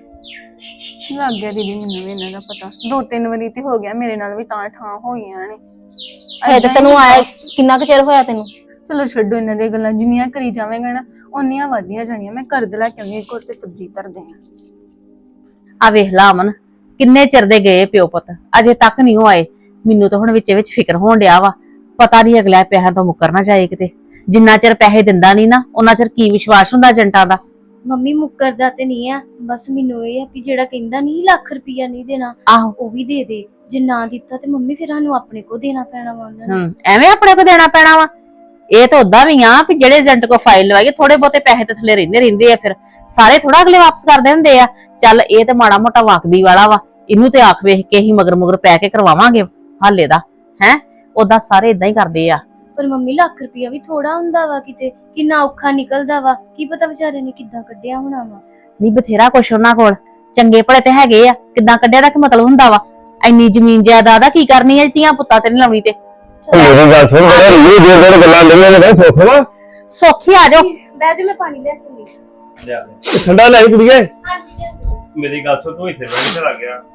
Speaker 1: ਲੱਗ ਗਿਆ ਦੀਦੀ ਮੈਨੂੰ ਵੀ ਇਹਨਾਂ ਦਾ ਪਤਾ, 2-3 ਵਾਰੀ ਤੇ ਹੋ ਗਿਆ ਮੇਰੇ ਨਾਲ ਵੀ, ਤਾਂ ਠਾਂ ਹੋ ਗਈਆਂ ਨੇ।
Speaker 3: ਇਹ ਤੇ ਤੈਨੂੰ ਆਇਆ ਕਿੰਨਾ ਕੁ ਚਿਰ ਹੋਇਆ ਤੈਨੂੰ?
Speaker 1: ਚਲੋ ਛੱਡੋ ਇਹਨਾਂ ਦੀਆਂ ਗੱਲਾਂ, ਜਿੰਨੀਆਂ ਕਰੀ ਜਾਵੇਂਗਾ ਨਾ ਓਨੀਆਂ ਵਧਦੀਆਂ ਜਾਣੀਆਂ। ਮੈਂ ਕਰਦ ਲੈ ਕੇ ਆਉਂਦੀ ਇੱਕ ਹੋਰ ਤੇ ਸਬਜ਼ੀ ਧਰਦੇ ਆ।
Speaker 4: ਆ ਵੇਖ ਲਾ ਅਮਨ, ਕਿੰਨੇ ਚਿਰ ਦੇ ਗਏ ਪਿਓ ਪੁੱਤ, ਅਜੇ ਤੱਕ ਨਹੀਂ ਉਹ ਆਏ। ਮੈਨੂੰ ਤਾਂ ਹੁਣ ਵਿੱਚ ਫਿਕਰ ਹੋਣ ਡਿਆ ਵਾ, ਪਤਾ ਨਹੀਂ ਅਗਲਾ ਪੈਸਿਆਂ ਤੋਂ ਮੁੱਕਰ ਨਾ ਜਾਏ ਕਿਤੇ। ਜਿੰਨਾ ਚਿਰ ਪੈਸੇ ਦਿੰਦਾ ਨਹੀਂ ਨਾ, ਉਹਨਾਂ ਚਿਰ ਕੀ ਵਿਸ਼ਵਾਸ ਹੁੰਦਾ ਏਜੰਟਾਂ ਦਾ।
Speaker 5: ਮੰਮੀ ਮੁੱਕਰਦਾ ਤੇ ਨਹੀਂ ਆ, ਬਸ ਮੈਨੂੰ ਇਹ ਆ ਵੀ ਜਿਹੜਾ ਕਹਿੰਦਾ ਨਹੀਂ ਲੱਖ ਰੁਪਈਆ ਨਹੀਂ ਦੇਣਾ,
Speaker 4: ਆਹੋ
Speaker 5: ਉਹ ਵੀ ਦੇ ਦੇ। ਜੇ ਨਾ ਦਿੱਤਾ ਤੇ ਮੰਮੀ ਫਿਰ ਸਾਨੂੰ ਆਪਣੇ ਕੋ ਦੇਣਾ ਪੈਣਾ ਵਾ ਉਹਨਾਂ ਨੂੰ।
Speaker 4: ਐਵੇਂ ਆਪਣੇ ਕੋ ਦੇਣਾ ਪੈਣਾ ਵਾ? ਇਹ ਤਾਂ ਉਦਾਂ ਵੀ ਆ ਵੀ ਜਿਹੜੇ ਏਜੰਟ ਕੋ ਫਾਈਲ ਲਵਾਈਏ ਥੋੜੇ ਬਹੁਤੇ ਪੈਸੇ ਤੇ ਥੱਲੇ ਰਹਿੰਦੇ ਆ, ਫਿਰ ਸਾਰੇ ਥੋੜਾ ਅਗਲੇ ਵਾਪਸ ਕਰਦੇ ਹੁੰਦੇ ਆ। ਚੱਲ ਇਹ ਤੇ ਮਾੜਾ ਮੋਟਾ ਵਾਕਬੀ ਵਾਲਾ ਵਾ, ਇਹਨੂੰ ਤੇ ਆਖ ਵੇਖ ਕੇ ਹੀ ਮਗਰ ਪੈ ਕੇ ਕਰਵਾਵਾਂਗੇ ਹਾਲੇ ਦਾ ਹੈ। ਉਦਾਂ ਸਾਰੇ ਇਦਾਂ ਹੀ ਕਰਦੇ ਆ।
Speaker 5: ਪਰ ਮੰਮੀ ਲੱਖ ਰੁਪਈਆ ਵੀ ਥੋੜਾ ਹੁੰਦਾ ਵਾ, ਕਿਤੇ ਕਿੰਨਾ ਔਖਾ ਨਿਕਲਦਾ ਵਾ, ਕੀ ਪਤਾ ਵਿਚਾਰੇ ਨੇ ਕਿੱਦਾਂ ਕੱਢਿਆ ਹੋਣਾ ਵਾ।
Speaker 4: ਨਹੀਂ ਬਥੇਰਾ ਕੁਛ ਉਹਨਾਂ ਕੋਲ, ਚੰਗੇ ਭਲੇ ਤੇ ਹੈਗੇ ਆ, ਕਿੱਦਾਂ ਕੱਢਿਆ ਦਾ ਕੀ ਮਤਲਬ ਹੁੰਦਾ ਵਾ? ਇੰਨੀ ਜ਼ਮੀਨ ਜਾਇਦਾਦ ਆ, ਕੀ ਕਰਨੀ ਆ ਧੀਆਂ ਪੁੱਤਾਂ ਤੇ ਨਹੀਂ ਲਾਉਣੀ ਤੇ।
Speaker 6: ਮੇਰੀ ਗੱਲ ਸੁਣ, ਬੜੇ ਰੀਝ ਦੇ ਗੱਲਾਂ ਲਈਆਂ ਨੇ, ਸੁੱਖ ਵਾ
Speaker 4: ਸੌਖੀ ਆ ਜਾਓ।
Speaker 5: ਬਹਿ ਜਾ, ਮੈਂ ਪਾਣੀ ਲੈ ਕੇ ਆਉਂਦੀ।
Speaker 6: ਠੰਡਾ ਲੈ ਕੁੜੀਏ।
Speaker 7: ਮੇਰੀ ਗੱਲ ਸੁਣ, ਤੂੰ ਇੱਥੇ ਬੈਠ ਕੇ ਲੱਗ ਗਿਆ।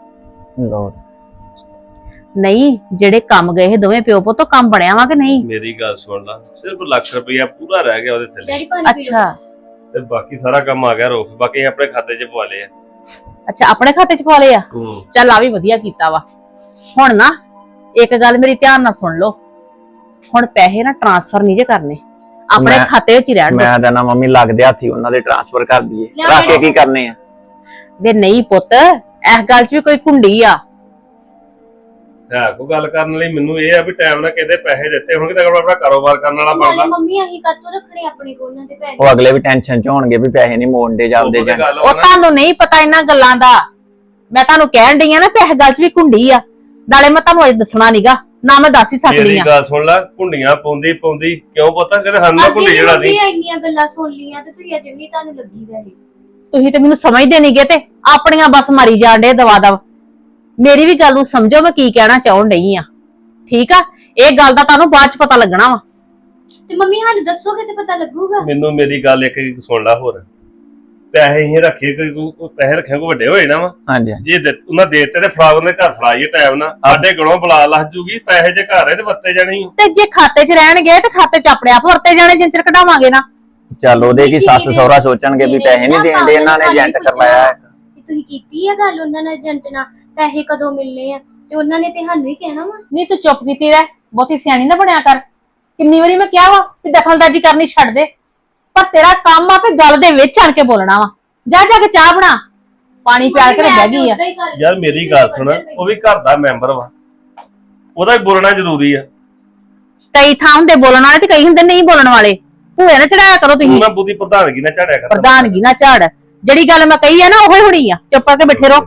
Speaker 4: ਨਹੀਂ ਜਿਹੜੇ ਕੰਮ ਗਏ ਇਹ ਦੋਵੇਂ ਪਿਓ ਪੁੱਤ, ਕੰਮ ਬਣਿਆ ਵਾ ਕਿ ਨਹੀਂ?
Speaker 7: ਮੇਰੀ ਗੱਲ ਸੁਣ ਲਾ, ਸਿਰਫ ਲੱਖ ਰੁਪਇਆ ਪੂਰਾ ਰਹਿ ਗਿਆ ਉਹਦੇ ਥੱਲੇ,
Speaker 5: ਡੈਡੀ ਪਾਣੀ ਪੀ ਲਓ।
Speaker 4: ਅੱਛਾ
Speaker 7: ਤੇ ਬਾਕੀ ਸਾਰਾ ਕੰਮ ਆ ਗਿਆ ਰੋਕ, ਬਾਕੀ ਅਸੀਂ ਆਪਣੇ ਖਾਤੇ 'ਚ ਪਵਾ ਲਏ ਆ।
Speaker 4: ਅੱਛਾ, ਆਪਣੇ ਖਾਤੇ 'ਚ ਪਾ ਲਏ ਆ? ਚੱਲ ਆ ਵੀ ਵਧੀਆ ਕੀਤਾ ਵਾ। ਹੁਣ ਨਾ ਇੱਕ ਗੱਲ ਮੇਰੀ ਧਿਆਨ ਨਾਲ ਸੁਣ ਲਓ, ਹੁਣ ਪੈਸੇ ਨਾ ਟ੍ਰਾਂਸਫਰ ਨਹੀਂ ਜੇ ਕਰਨੇ, ਆਪਣੇ ਖਾਤੇ ਵਿੱਚ ਹੀ ਰਹਿਣ ਦਿਓ।
Speaker 6: ਮੈਂ ਤਾਂ ਨਾ ਮੰਮੀ ਲੱਗਦੇ ਹੱਥੀ ਉਹਨਾਂ ਦੇ ਟ੍ਰਾਂਸਫਰ ਕਰ ਦਈਏ, ਰੱਖ ਕੇ ਕੀ ਕਰਨੇ ਆ?
Speaker 4: ਵੇ ਨਹੀਂ ਪੁੱਤ, ਇਸ ਗੱਲ 'ਚ ਵੀ ਕੋਈ ਕੁੰਡੀ ਆ।
Speaker 7: ਹੈ ਕੋਈ ਗੱਲ ਕਰਨ ਲਈ ਮੈਨੂੰ ਇਹ ਆ ਵੀ ਟਾਈਮ ਨਾਲ ਕਿਤੇ ਪੈਸੇ ਦਿੱਤੇ ਹੋਣਗੇ ਤਾਂ ਆਪਣਾ ਕਾਰੋਬਾਰ ਕਰਨ ਵਾਲਾ
Speaker 5: ਨਾਲੇ
Speaker 7: ਬਣਦਾ
Speaker 5: ਮੰਮੀ ਅਸੀਂ ਕਾਤੋਂ ਰੱਖਣੇ ਆਪਣੇ ਕੋਲ ਉਹਨਾਂ ਦੇ ਪੈਸੇ।
Speaker 6: ਉਹ ਅਗਲੇ ਵੀ ਟੈਨਸ਼ਨ ਚ ਹੋਣਗੇ ਵੀ ਪੈਸੇ ਨਹੀਂ ਮੋੜਦੇ ਜਾਂਦੇ
Speaker 7: ਉਹ
Speaker 6: ਜਾਂ
Speaker 7: ਗੱਲ
Speaker 4: ਉਹ
Speaker 7: ਵਾ ਨਾ।
Speaker 4: ਤੁਹਾਨੂੰ ਨਹੀਂ ਪਤਾ ਇਹਨਾਂ ਗੱਲਾਂ ਦਾ। ਮੈਂ ਤੁਹਾਨੂੰ ਕਹਿਣ ਡਈ ਆ ਨਾ ਪੈਸੇ ਗੱਲ 'ਚ ਵੀ ਕੁੰਡੀ ਆ, ਨਾਲੇ ਮੈਂ ਤੁਹਾਨੂੰ ਅੱਜ ਦੱਸਣਾ ਨੀਗਾ, ਨਾ ਮੈਂ ਦੱਸ ਹੀ ਸਕਦੀ
Speaker 7: ਮੇਰੀ
Speaker 4: ਆ।
Speaker 7: ਗੱਲ ਸੁਣ ਲੈ, ਕੁੰਡੀਆਂ ਪਾਉਂਦੀ ਕਿਉਂ ਪਤਾ ਕਿਤੇ ਸਾਨੂੰ
Speaker 5: ਅੱਗੇ
Speaker 7: ਕੁੰਡੀ
Speaker 5: ਵੀ
Speaker 7: ਜਿਹੜਾ
Speaker 5: ਮੰਮੀ
Speaker 7: ਦੀ
Speaker 5: ਇੰਨੀਆਂ ਗੱਲਾਂ ਸੁਣ ਲੀਆਂ ਤੇ ਤੁਸੀਂ ਅਜੇ ਵੀ ਤੁਹਾਨੂੰ ਲੱਗੀ ਵੈਸੇ।
Speaker 4: ਤੁਸੀਂ ਤੇ ਮੈਨੂੰ ਸਮਝਦੇ ਨਹੀਂਗੇ ਤੇ ਆਪਣੀਆਂ ਬਸ ਮਾਰੀ ਜਾਣ ਡੇ ਦਵਾ ਦਵ। ਮੇਰੀ ਵੀ ਗੱਲ ਨੂੰ ਸਮਝੋ, ਮੈਂ ਕੀ ਕਹਿਣਾ ਚਾਹੁੰ ਡਈ ਆ। ਠੀਕ ਆ, ਇਹ ਗੱਲ ਦਾ ਤੁਹਾਨੂੰ ਬਾਅਦ ਚ ਪਤਾ ਲੱਗਣਾ ਵਾ।
Speaker 5: ਤੇ ਮੰਮੀ ਸਾਨੂੰ ਦੱਸੋਗੇ ਤੇ ਪਤਾ ਲੱਗੂਗਾ।
Speaker 7: ਮੈਨੂੰ ਮੇਰੀ ਗੱਲ ਇੱਕ ਸੁਣ ਲੈ ਹੋਰ, ਪੈਸੇ ਹੀ ਰੱਖੇ ਕੋਈ ਪੈਸੇ ਰੱਖੇ ਕੋਈ ਵੱਡੇ ਹੋਏ ਨਾ ਵਾ,
Speaker 6: ਹਾਂਜੀ
Speaker 7: ਜੇ ਉਹਨਾਂ ਦੇ ਦਿੱਤੇ ਤੇ ਫਰਾਗ ਦੇ ਘਰ ਫੜਾਈਏ ਟਾਈਮ ਨਾਲ, ਸਾਡੇ ਗਲੋਂ ਬੁਲਾ ਲੱਜ ਜੂਗੀ, ਪੈਸੇ ਜੇ ਘਰ ਹੈ ਤੇ ਵਰਤੇ ਜਾਣੇ ਹੀ।
Speaker 4: ਤੇ ਜੇ ਖਾਤੇ 'ਚ ਰਹਿਣਗੇ ਤੇ ਖਾਤੇ 'ਚ ਆਪਣੇ ਆਪ ਵਰਤੇ ਜਾਣੇ, ਜਿੰਨ ਚਿਰ ਕਢਾਵਾਂਗੇ ਨਾ।
Speaker 6: ਚੱਲ ਉਹਦੇ ਕੀ ਸੱਸ ਸਹੁਰਾ ਸੋਚਣਗੇ ਵੀ ਪੈਸੇ ਨਹੀਂ ਦੇਣਦੇ, ਇਹਨਾਂ ਨੇ ਏਜੰਟ ਕਰਵਾਇਆ ਹੈ।
Speaker 5: ਤੁਸੀਂ ਕੀਤੀ ਆ ਗੱਲ ਉਹਨਾਂ ਨਾਲ ਏਜੰਟ ਨਾਲ, ਪੈਸੇ ਕਦੋਂ ਮਿਲਨੇ ਆ, ਤੇ ਉਹਨਾਂ ਨੇ ਤੇ ਸਾਨੂੰ ਹੀ ਕਹਿਣਾ ਵਾ।
Speaker 4: ਨਹੀਂ ਤੂੰ ਚੁੱਪ ਕੀਤੀ ਰਹਿ, ਬਹੁਤੀ ਸਿਆਣੀ ਨਾ ਬਣਿਆ ਕਰ। ਕਿੰਨੀ ਵਾਰੀ ਮੈਂ ਕਿਹਾ ਵਾ ਕਿ ਦਖਲਅੰਦਾਜ਼ੀ ਕਰਨੀ ਛੱਡ ਦੇ, ਪਰ ਤੇਰਾ ਕੰਮ ਆ ਕਿ ਗੱਲ ਦੇ ਵਿੱਚ ਆਣ ਕੇ ਬੋਲਣਾ ਵਾ। ਜਾ ਜਾ ਕੇ ਚਾਹ ਬਣਾ, ਪਾਣੀ ਪਿਆਲ ਕੇ ਬਹਿ ਗਈ ਆ।
Speaker 7: ਯਾਰ ਮੇਰੀ ਗੱਲ ਸੁਣ, ਉਹ ਵੀ ਘਰ ਦਾ ਮੈਂਬਰ ਵਾ, ਉਹਦਾ ਵੀ ਬੋਲਣਾ ਜ਼ਰੂਰੀ ਆ।
Speaker 4: ਕਈ ਥਾਂ ਹੁੰਦੇ ਬੋਲਣ ਵਾਲੇ ਤੇ ਕਈ ਹੁੰਦੇ ਨਹੀਂ ਬੋਲਣ ਵਾਲੇ। ਭੂਏ ਨਾ ਚੜਾਇਆ ਕਰੋ
Speaker 7: ਤੂੰ
Speaker 4: ਤੁਸੀਂ,
Speaker 7: ਨਾ ਬੁੱਧੀ ਪ੍ਰਧਾਨਗੀ ਨਾ ਝਾੜਿਆ ਕਰ।
Speaker 4: ਪ੍ਰਧਾਨਗੀ ਨਾ ਝਾੜ। ਜਿਹੜੀ ਗੱਲ ਮੈਂ ਕਹੀ ਆ ਨਾ ਉਹੀ ਹੋਣੀ ਆ, ਚੁੱਪ ਕਰਕੇ ਬੈਠੇ ਰਹੋ।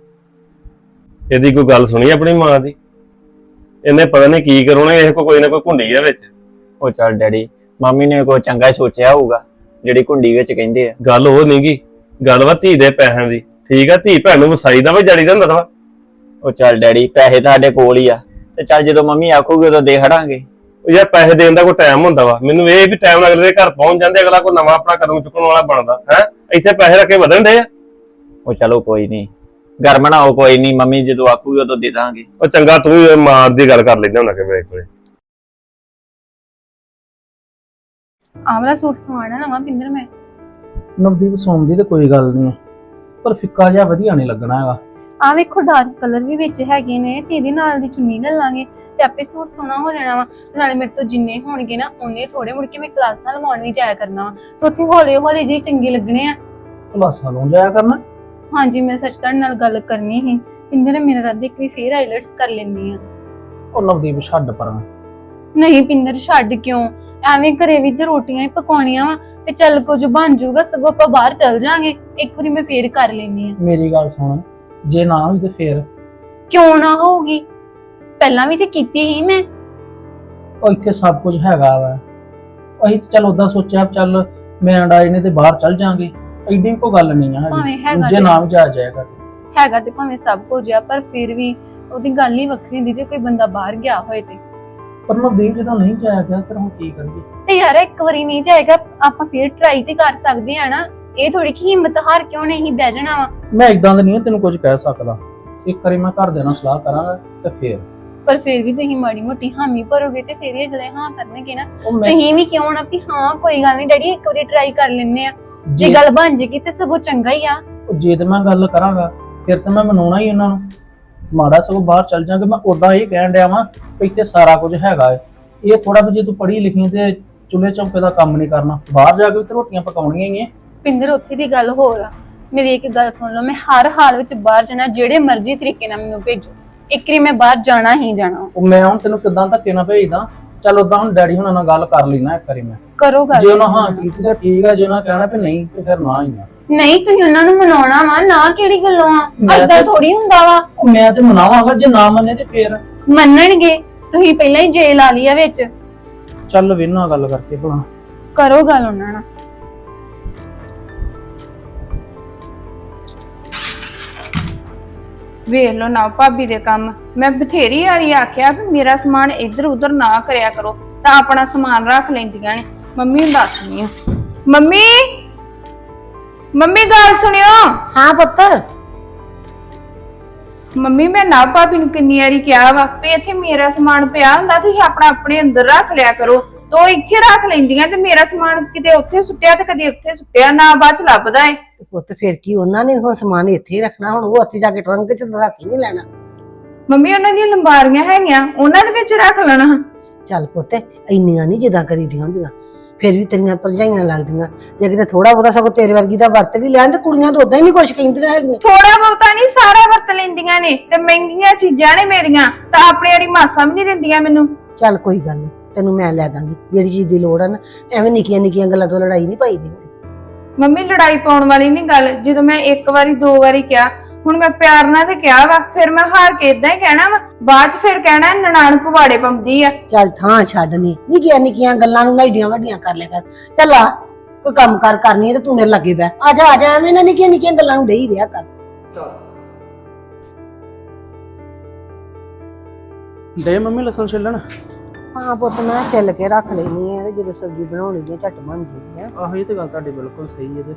Speaker 7: ਇਹਦੀ ਕੋਈ ਗੱਲ ਸੁਣੀ ਆਪਣੀ ਮਾਂ ਦੀ, ਇਹਨੇ ਪਤਾ ਨਹੀਂ ਕੀ ਕਰੋਣਾ, ਇਹ ਕੋਈ ਨਾ ਕੋਈ ਘੁੰਡੀ ਆ ਵਿੱਚ।
Speaker 6: ਉਹ ਚੱਲ ਡੈਡੀ, ਮੰਮੀ ਨੇ ਕੋਈ ਚੰਗਾ ਹੀ ਸੋਚਿਆ ਹੋਊਗਾ ਜਿਹੜੀ ਕੁੰਡੀ ਵਿੱਚ ਕਹਿੰਦੇ ਆ।
Speaker 7: ਗੱਲ ਉਹ ਨਹੀਂਗੀ, ਗੱਲ ਵਾ ਧੀ ਦੇ ਪੈਸਿਆਂ ਦੀ। ਠੀਕ ਆ, ਧੀ ਭੈਣ ਨੂੰ ਵਸਾਈ ਦਾ ਵਾ, ਜੜੀ ਦਾ ਹੁੰਦਾ ਵਾ।
Speaker 6: ਉਹ ਚੱਲ ਡੈਡੀ, ਪੈਸੇ ਤਾਂ ਸਾਡੇ ਕੋਲ ਹੀ ਆ, ਤੇ ਚੱਲ ਜਦੋਂ ਮੰਮੀ ਆਖੂਗੀ ਉਦੋਂ ਦੇ ਹੜਾਂਗੇ।
Speaker 7: ਉਹ ਯਾਰ ਪੈਸੇ ਦੇਣ ਦਾ ਕੋਈ ਟਾਈਮ ਹੁੰਦਾ ਵਾ, ਮੈਨੂੰ ਇਹ ਵੀ ਟਾਈਮ ਨਾਲ ਅਗਲੇ ਦੇ ਘਰ ਪਹੁੰਚ ਜਾਂਦੇ, ਅਗਲਾ ਕੋਈ ਨਵਾਂ ਆਪਣਾ ਕਦਮ ਚੁੱਕਣ ਵਾਲਾ ਬਣਦਾ ਹੈ। ਇੱਥੇ ਪੈਸੇ ਰੱਖੇ ਵਧਣ ਦੇ ਆ।
Speaker 6: ਉਹ ਚਲੋ ਕੋਈ ਨਹੀਂ, ਘਰ ਬਣਾਓ, ਕੋਈ ਨਹੀਂ, ਮੰਮੀ ਜਦੋਂ ਆਖੂਗੀ ਉਦੋਂ ਦੇ ਦਾਂਗੇ।
Speaker 7: ਉਹ ਚੰਗਾ, ਤੂੰ ਵੀ ਮਾਰ ਦੀ ਗੱਲ ਕਰ ਲੈਂਦਾ ਹੁੰਦਾ ਕਿ ਮੇਰੇ ਕੋਲੇ।
Speaker 1: ਆਹ ਵਾਲਾ ਸੂਟ ਸਵਾਣਾ ਨਵਾਂ ਪਿੰਦਰ ਮੈਂ।
Speaker 2: ਨਵਦੀਪ ਸੌਣ ਦੀ ਤੇ ਕੋਈ ਗੱਲ ਨਹੀਂ, ਪਰ ਫਿੱਕਾ ਜਿਹਾ ਵਧੀਆ ਨਹੀਂ ਲੱਗਣਾ ਹੈਗਾ।
Speaker 1: ਆ ਵੇਖੋ ਡਾਰਕ ਕਲਰ ਵੀ ਵਿੱਚ ਹੈਗੇ ਨੇ, ਤੇ ਇਹਦੇ ਨਾਲ ਦੀ ਚੁੰਨੀ ਲੈ ਲਾਂਗੇ ਤੇ ਆਪੇ ਸੂਟ ਸੋਹਣਾ ਹੋ ਜਾਣਾ ਵਾ। ਤੇ ਨਾਲੇ ਮੇਰੇ ਤੋਂ ਜਿੰਨੇ ਹੋਣਗੇ ਨਾ ਉਹਨੇ ਥੋੜੇ, ਮੁੜ ਕੇ ਮੈਂ ਕਲਾਸਾਂ ਲਵਾਉਣ ਵੀ ਜਾਇਆ ਕਰਨਾ ਵਾ, ਤੇ ਉੱਥੇ ਹੌਲੇ ਹੌਲੇ ਜਿਹੇ ਚੰਗੇ ਲੱਗਣੇ ਆ।
Speaker 2: ਕਲਾਸਾਂ ਲਾਉਣ ਜਾਇਆ ਕਰਨਾ।
Speaker 1: ਹਾਂਜੀ, ਮੈਂ ਸੱਚ ਤੁਹਾਡੇ ਨਾਲ ਗੱਲ ਕਰਨੀ ਸੀ ਪਿੰਦਰ, ਮੇਰਾ ਰੱਦ ਇੱਕ ਵਾਰੀ ਫੇਰ ਆਈਲੈਟਸ ਕਰ ਲੈਣੀ ਆ।
Speaker 2: ਉਹ ਨਵਦੀਪ ਛੱਡ ਪਰਾਂ।
Speaker 1: ਨਹੀਂ ਪਿੰਦਰ, ਛੱਡ ਕਿਉਂ? ਐਵੇਂ ਘਰੇ ਵੀ ਤੇ ਰੋਟੀਆਂ ਹੀ ਪਕਾਉਣੀਆਂ ਵਾ, ਤੇ ਚੱਲ ਕੁਝ ਬਣ ਜਾਊਗਾ, ਸਗੋਂ ਆਪਾਂ ਬਾਹਰ ਚੱਲ ਜਾਾਂਗੇ। ਇੱਕ ਵਾਰੀ ਮੈਂ ਫੇਰ ਕਰ ਲੈਣੀ ਆ।
Speaker 2: ਮੇਰੀ ਗੱਲ ਸੁਣ, ਜੇ ਨਾ ਹੋਈ ਤੇ ਫੇਰ?
Speaker 1: ਕਿਉਂ ਨਾ ਹੋਊਗੀ, ਪਹਿਲਾਂ ਵੀ ਤੇ ਕੀਤੀ ਹੀ ਮੈਂ।
Speaker 2: ਉਹ ਇੱਥੇ ਸਭ ਕੁਝ ਹੈਗਾ ਵਾ, ਅਸੀਂ ਚੱਲ ਉਦਾਂ ਸੋਚਿਆ ਚੱਲ ਮੈਂ ਡਾਈ ਨੇ ਤੇ ਬਾਹਰ ਚੱਲ ਜਾਾਂਗੇ, ਐਡੀ ਕੋਈ ਗੱਲ ਨਹੀਂ ਆ
Speaker 1: ਭਾਵੇਂ
Speaker 2: ਹੈਗੀ।
Speaker 1: ਹੈਗਾ
Speaker 2: ਜੇ ਨਾ ਵੀ ਜਾਇਆ ਜਾਏਗਾ ਤੇ
Speaker 1: ਹੈਗਾ ਤੇ ਭਾਵੇਂ ਸਭ ਕੁਝ ਆ, ਪਰ ਫਿਰ ਵੀ ਉਹਦੀ ਗੱਲ ਹੀ ਵੱਖਰੀ ਹੁੰਦੀ ਜੇ ਕੋਈ ਬੰਦਾ ਬਾਹਰ ਗਿਆ ਹੋਏ ਤੇ।
Speaker 2: ਪਰ ਨਵਦੀਪ ਜਦੋਂ ਨਹੀਂ ਜਾਇਆ ਗਿਆ ਫਿਰ ਹੁਣ ਕੀ ਕਰੀਏ?
Speaker 1: ਤੇ ਯਾਰ ਇੱਕ ਵਾਰੀ ਨਹੀਂ ਜਾਏਗਾ, ਆਪਾਂ ਫੇਰ ਟਰਾਈ ਤੇ ਕਰ ਸਕਦੇ ਆ ਨਾ। ਇਹ ਥੋੜੀ ਕਿ ਹਿੰਮਤ ਹਾਰ ਕਿਉਂ ਨਹੀਂ ਬਹਿ ਜਾਣਾ ਵਾ।
Speaker 2: ਮੈਂ ਇਦਾਂ ਦਾ ਨਹੀਂ ਤੈਨੂੰ ਕੁਝ ਕਹਿ ਸਕਦਾ, ਇੱਕ ਵਾਰੀ ਮੈਂ ਘਰ ਦੇ ਨਾਲ ਸਲਾਹ ਕਰਾਂਗਾ ਤੇ ਫੇਰ।
Speaker 1: ਪਰ ਫਿਰ ਵੀ ਤੁਸੀਂ ਮਾੜੀ ਮੋਟੀ ਹਾਮੀ ਭਰੋਗੇ ਤੇ ਫਿਰ ਇਹ ਅਗਲੇ ਹਾਂ ਕਰਨਗੇ ਨਾ।
Speaker 2: ਉਹ ਮੈਂ
Speaker 1: ਤੁਸੀਂ ਵੀ ਕਿਉਂ ਨਾ ਵੀ ਹਾਂ ਕੋਈ ਗੱਲ ਨਹੀਂ ਡੈਡੀ, ਇੱਕ ਵਾਰੀ ਟਰਾਈ ਕਰ ਲੈਣੇ ਆ, ਜੇ
Speaker 2: ਜੇ
Speaker 1: ਗੱਲ ਬਣ ਜੇਗੀ ਤੇ ਸਗੋਂ ਚੰਗਾ ਹੀ ਆ।
Speaker 2: ਜੇ ਤੇ ਮੈਂ ਗੱਲ ਕਰਾਂਗਾ ਫਿਰ ਤਾਂ ਮੈਂ ਮਨਾਉਣਾ ਹੀ ਉਹਨਾਂ ਨੂੰ, ਮਾੜਾ ਸਗੋਂ ਬਾਹਰ ਚੱਲ ਜਾਾਂਗੇ। ਮੈਂ ਉਦਾਂ ਇਹ ਕਹਿਣ ਡਿਆ ਵਾਂ ਵੀ ਇੱਥੇ ਸਾਰਾ ਕੁਝ ਹੈਗਾ ਏ, ਇਹ ਥੋੜਾ ਵੀ ਜੇ ਤੂੰ ਪੜ੍ਹੀ ਲਿਖੀ ਤੇ ਚੁੱਲ੍ਹੇ ਚੌਂਕੇ ਦਾ ਕੰਮ ਨਹੀਂ ਕਰਨਾ, ਬਾਹਰ ਜਾ ਕੇ ਵੀ ਤੇ ਰੋਟੀਆਂ ਪਕਾਉਣੀਆਂ ਹੀ ਐ।
Speaker 1: ਪਿੰਦਰ, ਉੱਥੇ ਦੀ ਗੱਲ ਹੋਰ ਆ। ਮੇਰੀ ਇੱਕ ਗੱਲ ਸੁਣ ਲਓ, ਮੈਂ ਹਰ ਹਾਲ ਵਿੱਚ ਬਾਹਰ ਜਾਣਾ, ਜਿਹੜੇ ਮਰਜ਼ੀ ਤਰੀਕੇ ਨਾਲ ਮੈਨੂੰ ਭੇਜੋ, ਇੱਕ ਵਾਰੀ ਮੈਂ ਬਾਹਰ ਜਾਣਾ ਹੀ ਜਾਣਾ।
Speaker 2: ਉਹ ਮੈਂ ਹੁਣ ਤੈਨੂੰ ਕਿੱਦਾਂ ਧੱਕੇ ਨਾਲ ਭੇਜਦਾ? ਚੱਲ ਉਦਾਂ ਹੁਣ ਡੈਡੀ ਹੁਣਾਂ ਨਾਲ ਗੱਲ ਕਰ ਲੈਣਾ ਇੱਕ ਵਾਰੀ ਮੈਂ।
Speaker 1: ਕਰੋ ਗੱਲ।
Speaker 2: ਜੇ ਉਹਨਾਂ ਹਾਂ ਕੀਤੀ ਤਾਂ ਠੀਕ ਆ, ਜੇ ਉਹਨਾਂ ਕਹਿਣਾ ਵੀ ਨਹੀਂ ਤੇ ਫਿਰ ਨਾ ਹੀ ਆ।
Speaker 1: ਨਹੀਂ, ਤੁਸੀਂ ਉਹਨਾਂ ਨੂੰ ਮਨਾਉਣਾ ਵਾ ਨਾ, ਕਿਹੜੀ ਗੱਲੋਂ ਆ?
Speaker 2: ਮੈਂ
Speaker 1: ਏਦਾਂ
Speaker 2: ਤੇ-
Speaker 1: ਥੋੜੀ ਹੁੰਦਾ ਵਾ।
Speaker 2: ਉਹ ਮੈਂ ਤੇ ਮਨਾਵਾਂਗਾ, ਜੇ ਨਾ ਮੰਨੇ ਤੇ ਫੇਰ
Speaker 1: ਮੰਨਣਗੇ। ਤੁਸੀਂ ਪਹਿਲਾਂ ਹੀ ਜੇਲ ਲਾ ਲਈ ਆ ਵਿੱਚ।
Speaker 2: ਚੱਲ ਵੇਨਾ ਗੱਲ ਕਰਕੇ ਭਲਾ।
Speaker 1: ਕਰੋ ਗੱਲ ਉਹਨਾਂ ਨਾਲ।
Speaker 8: ਵੇਖ ਲਓ ਨਾ ਭਾਬੀ ਦੇ ਕੰਮ। ਮੈਂ ਬਥੇਰੀ ਵਾਰੀ ਆਖਿਆ ਵੀ ਮੇਰਾ ਸਮਾਨ ਇੱਧਰ ਉੱਧਰ ਨਾ ਕਰਿਆ ਕਰੋ, ਤਾਂ ਆਪਣਾ ਸਮਾਨ ਰੱਖ ਲੈਂਦੀਆਂ ਨੇ। ਮੰਮੀ ਨੂੰ ਦੱਸਣੀ ਆ। ਮੰਮੀ, ਮੰਮੀ ਗੱਲ ਸੁਣਿਓ।
Speaker 9: ਹਾਂ ਪੁੱਤ।
Speaker 8: ਮੰਮੀ, ਮੈਂ ਨਾ ਭਾਬੀ ਨੂੰ ਕਿੰਨੀ ਵਾਰੀ ਕਿਹਾ ਵਾ ਵੀ ਇੱਥੇ ਮੇਰਾ ਸਮਾਨ ਪਿਆ ਹੁੰਦਾ, ਤੁਸੀਂ ਆਪਣਾ ਆਪਣੇ ਅੰਦਰ ਰੱਖ ਲਿਆ ਕਰੋ। ਤੇ ਉਹ ਇੱਥੇ ਰੱਖ ਲੈਂਦੀਆਂ ਤੇ ਮੇਰਾ ਸਮਾਨ ਕਿਤੇ ਉੱਥੇ ਸੁੱਟਿਆ ਤੇ ਕਦੇ ਉੱਥੇ ਸੁੱਟਿਆ, ਨਾ ਬਾਅਦ ਚ ਲੱਭਦਾ ਏ।
Speaker 9: ਪੁੱਤ ਫਿਰ ਕੀ, ਉਹਨਾਂ ਨੇ ਹੁਣ ਸਮਾਨ ਇੱਥੇ ਹੀ ਰੱਖਣਾ, ਹੁਣ ਉਹ ਉੱਥੇ ਜਾ ਕੇ ਟਰੰਕ 'ਚ ਰੱਖ ਹੀ ਨਹੀਂ ਲੈਣਾ।
Speaker 8: ਮੰਮੀ, ਉਹਨਾਂ ਦੀਆਂ ਲੰਬਾਰੀਆਂ ਹੈਗੀਆਂ, ਉਹਨਾਂ ਦੇ ਵਿੱਚ ਰੱਖ ਲੈਣਾ।
Speaker 9: ਚੱਲ ਪੁੱਤ, ਇੰਨੀਆਂ ਨਹੀਂ ਜਿੱਦਾਂ ਕਰੀਦੀਆਂ ਹੁੰਦੀਆਂ। ਫਿਰ ਵੀ ਤੇਰੀਆਂ ਭਰਜਾਈਆਂ ਲੱਗਦੀਆਂ। ਜੇ ਕਿਤੇ ਥੋੜਾ ਬਹੁਤਾ ਸਗੋਂ ਤੇਰੇ ਵਰਗੀ ਦਾ ਵਰਤ ਵੀ ਲੈਣ ਤੇ ਕੁੜੀਆਂ ਤਾਂ ਉਦਾਂ ਹੀ ਨਹੀਂ ਕੁਛ ਕਹਿੰਦੀਆਂ ਹੈਗੀਆਂ।
Speaker 8: ਥੋੜਾ ਬਹੁਤਾ ਨਹੀਂ ਸਾਰਾ ਵਰਤ ਲੈਂਦੀਆਂ ਨੇ ਤੇ ਮਹਿੰਗੀਆਂ ਚੀਜ਼ਾਂ ਨੇ ਮੇਰੀਆਂ ਤਾਂ ਆਪਣੀ ਵਾਲੀ ਮਾਸਾ ਵੀ ਨਹੀਂ ਦਿੰਦੀਆਂ ਮੈਨੂੰ।
Speaker 9: ਚੱਲ ਕੋਈ ਗੱਲ ਨਹੀਂ, ਤੈਨੂੰ ਮੈਂ ਲੈ ਦਾਂਗੀ ਜਿਹੜੀ ਚੀਜ਼ ਦੀ ਲੋੜ ਆ ਨਾ। ਐਵੇਂ ਨਿੱਕੀਆਂ ਨਿੱਕੀਆਂ ਗੱਲਾਂ ਤੋਂ ਲੜਾਈ ਨਹੀਂ ਪਾਈ ਦੀ ਹੁੰਦੀ।
Speaker 8: ਮੰਮੀ ਲੜਾਈ ਪਾਉਣ ਵਾਲੀ ਨਹੀਂ ਗੱਲ, ਜਦੋਂ ਮੈਂ ਇੱਕ ਵਾਰੀ ਦੋ ਵਾਰੀ ਕਿਹਾ, ਹੁਣ ਮੈਂ ਪਿਆਰ ਨਾਲ ਤੇ ਕਿਹਾ ਵਾ, ਫਿਰ ਮੈਂ ਹਾਰ ਕੇ ਇਦਾਂ ਹੀ ਕਹਿਣਾ ਵਾ, ਬਾਅਦ ਚ ਫਿਰ ਕਹਿਣਾ ਨਨਾਣ ਪਵਾੜੇ ਪਾਉਂਦੀ ਆ।
Speaker 9: ਚੱਲ ਥਾਂ ਛੱਡ ਨੀ, ਨਿੱਕੀਆਂ ਨਿੱਕੀਆਂ ਗੱਲਾਂ ਨੂੰ ਐਡੀਆਂ ਵੱਡੀਆਂ ਕਰ ਲਿਆ ਕਰ। ਚੱਲ ਆ ਕੋਈ ਕੰਮ ਕਾਰ ਕਰਨੀ ਹੈ ਤੇ ਤੂੰ ਮੇਰੇ ਲੱਗੇ ਬੈ। ਆ ਜਾ ਐਵੇਂ ਨਾ ਨਿੱਕੀਆਂ ਨਿੱਕੀਆਂ ਗੱਲਾਂ ਨੂੰ ਡਈ ਰਿਹਾ ਕਰ।
Speaker 2: ਦੇ ਮੰਮੀ ਲਸਣ ਛਿੱਲਣ।
Speaker 9: ਹਾਂ ਪੁੱਤ ਮੈਂ ਛਿੱਲ ਕੇ ਰੱਖ ਲੈਣੀ ਹੈ ਤੇ ਜਦੋਂ ਸਬਜ਼ੀ ਬਣਾਉਣੀ ਹੈ ਝੱਟ ਬਣ ਜਾਂਦੀ ਹੈ।
Speaker 2: ਆਹੋ ਇਹ ਤੇ ਗੱਲ ਤੁਹਾਡੀ ਬਿਲਕੁਲ ਸਹੀ ਹੈ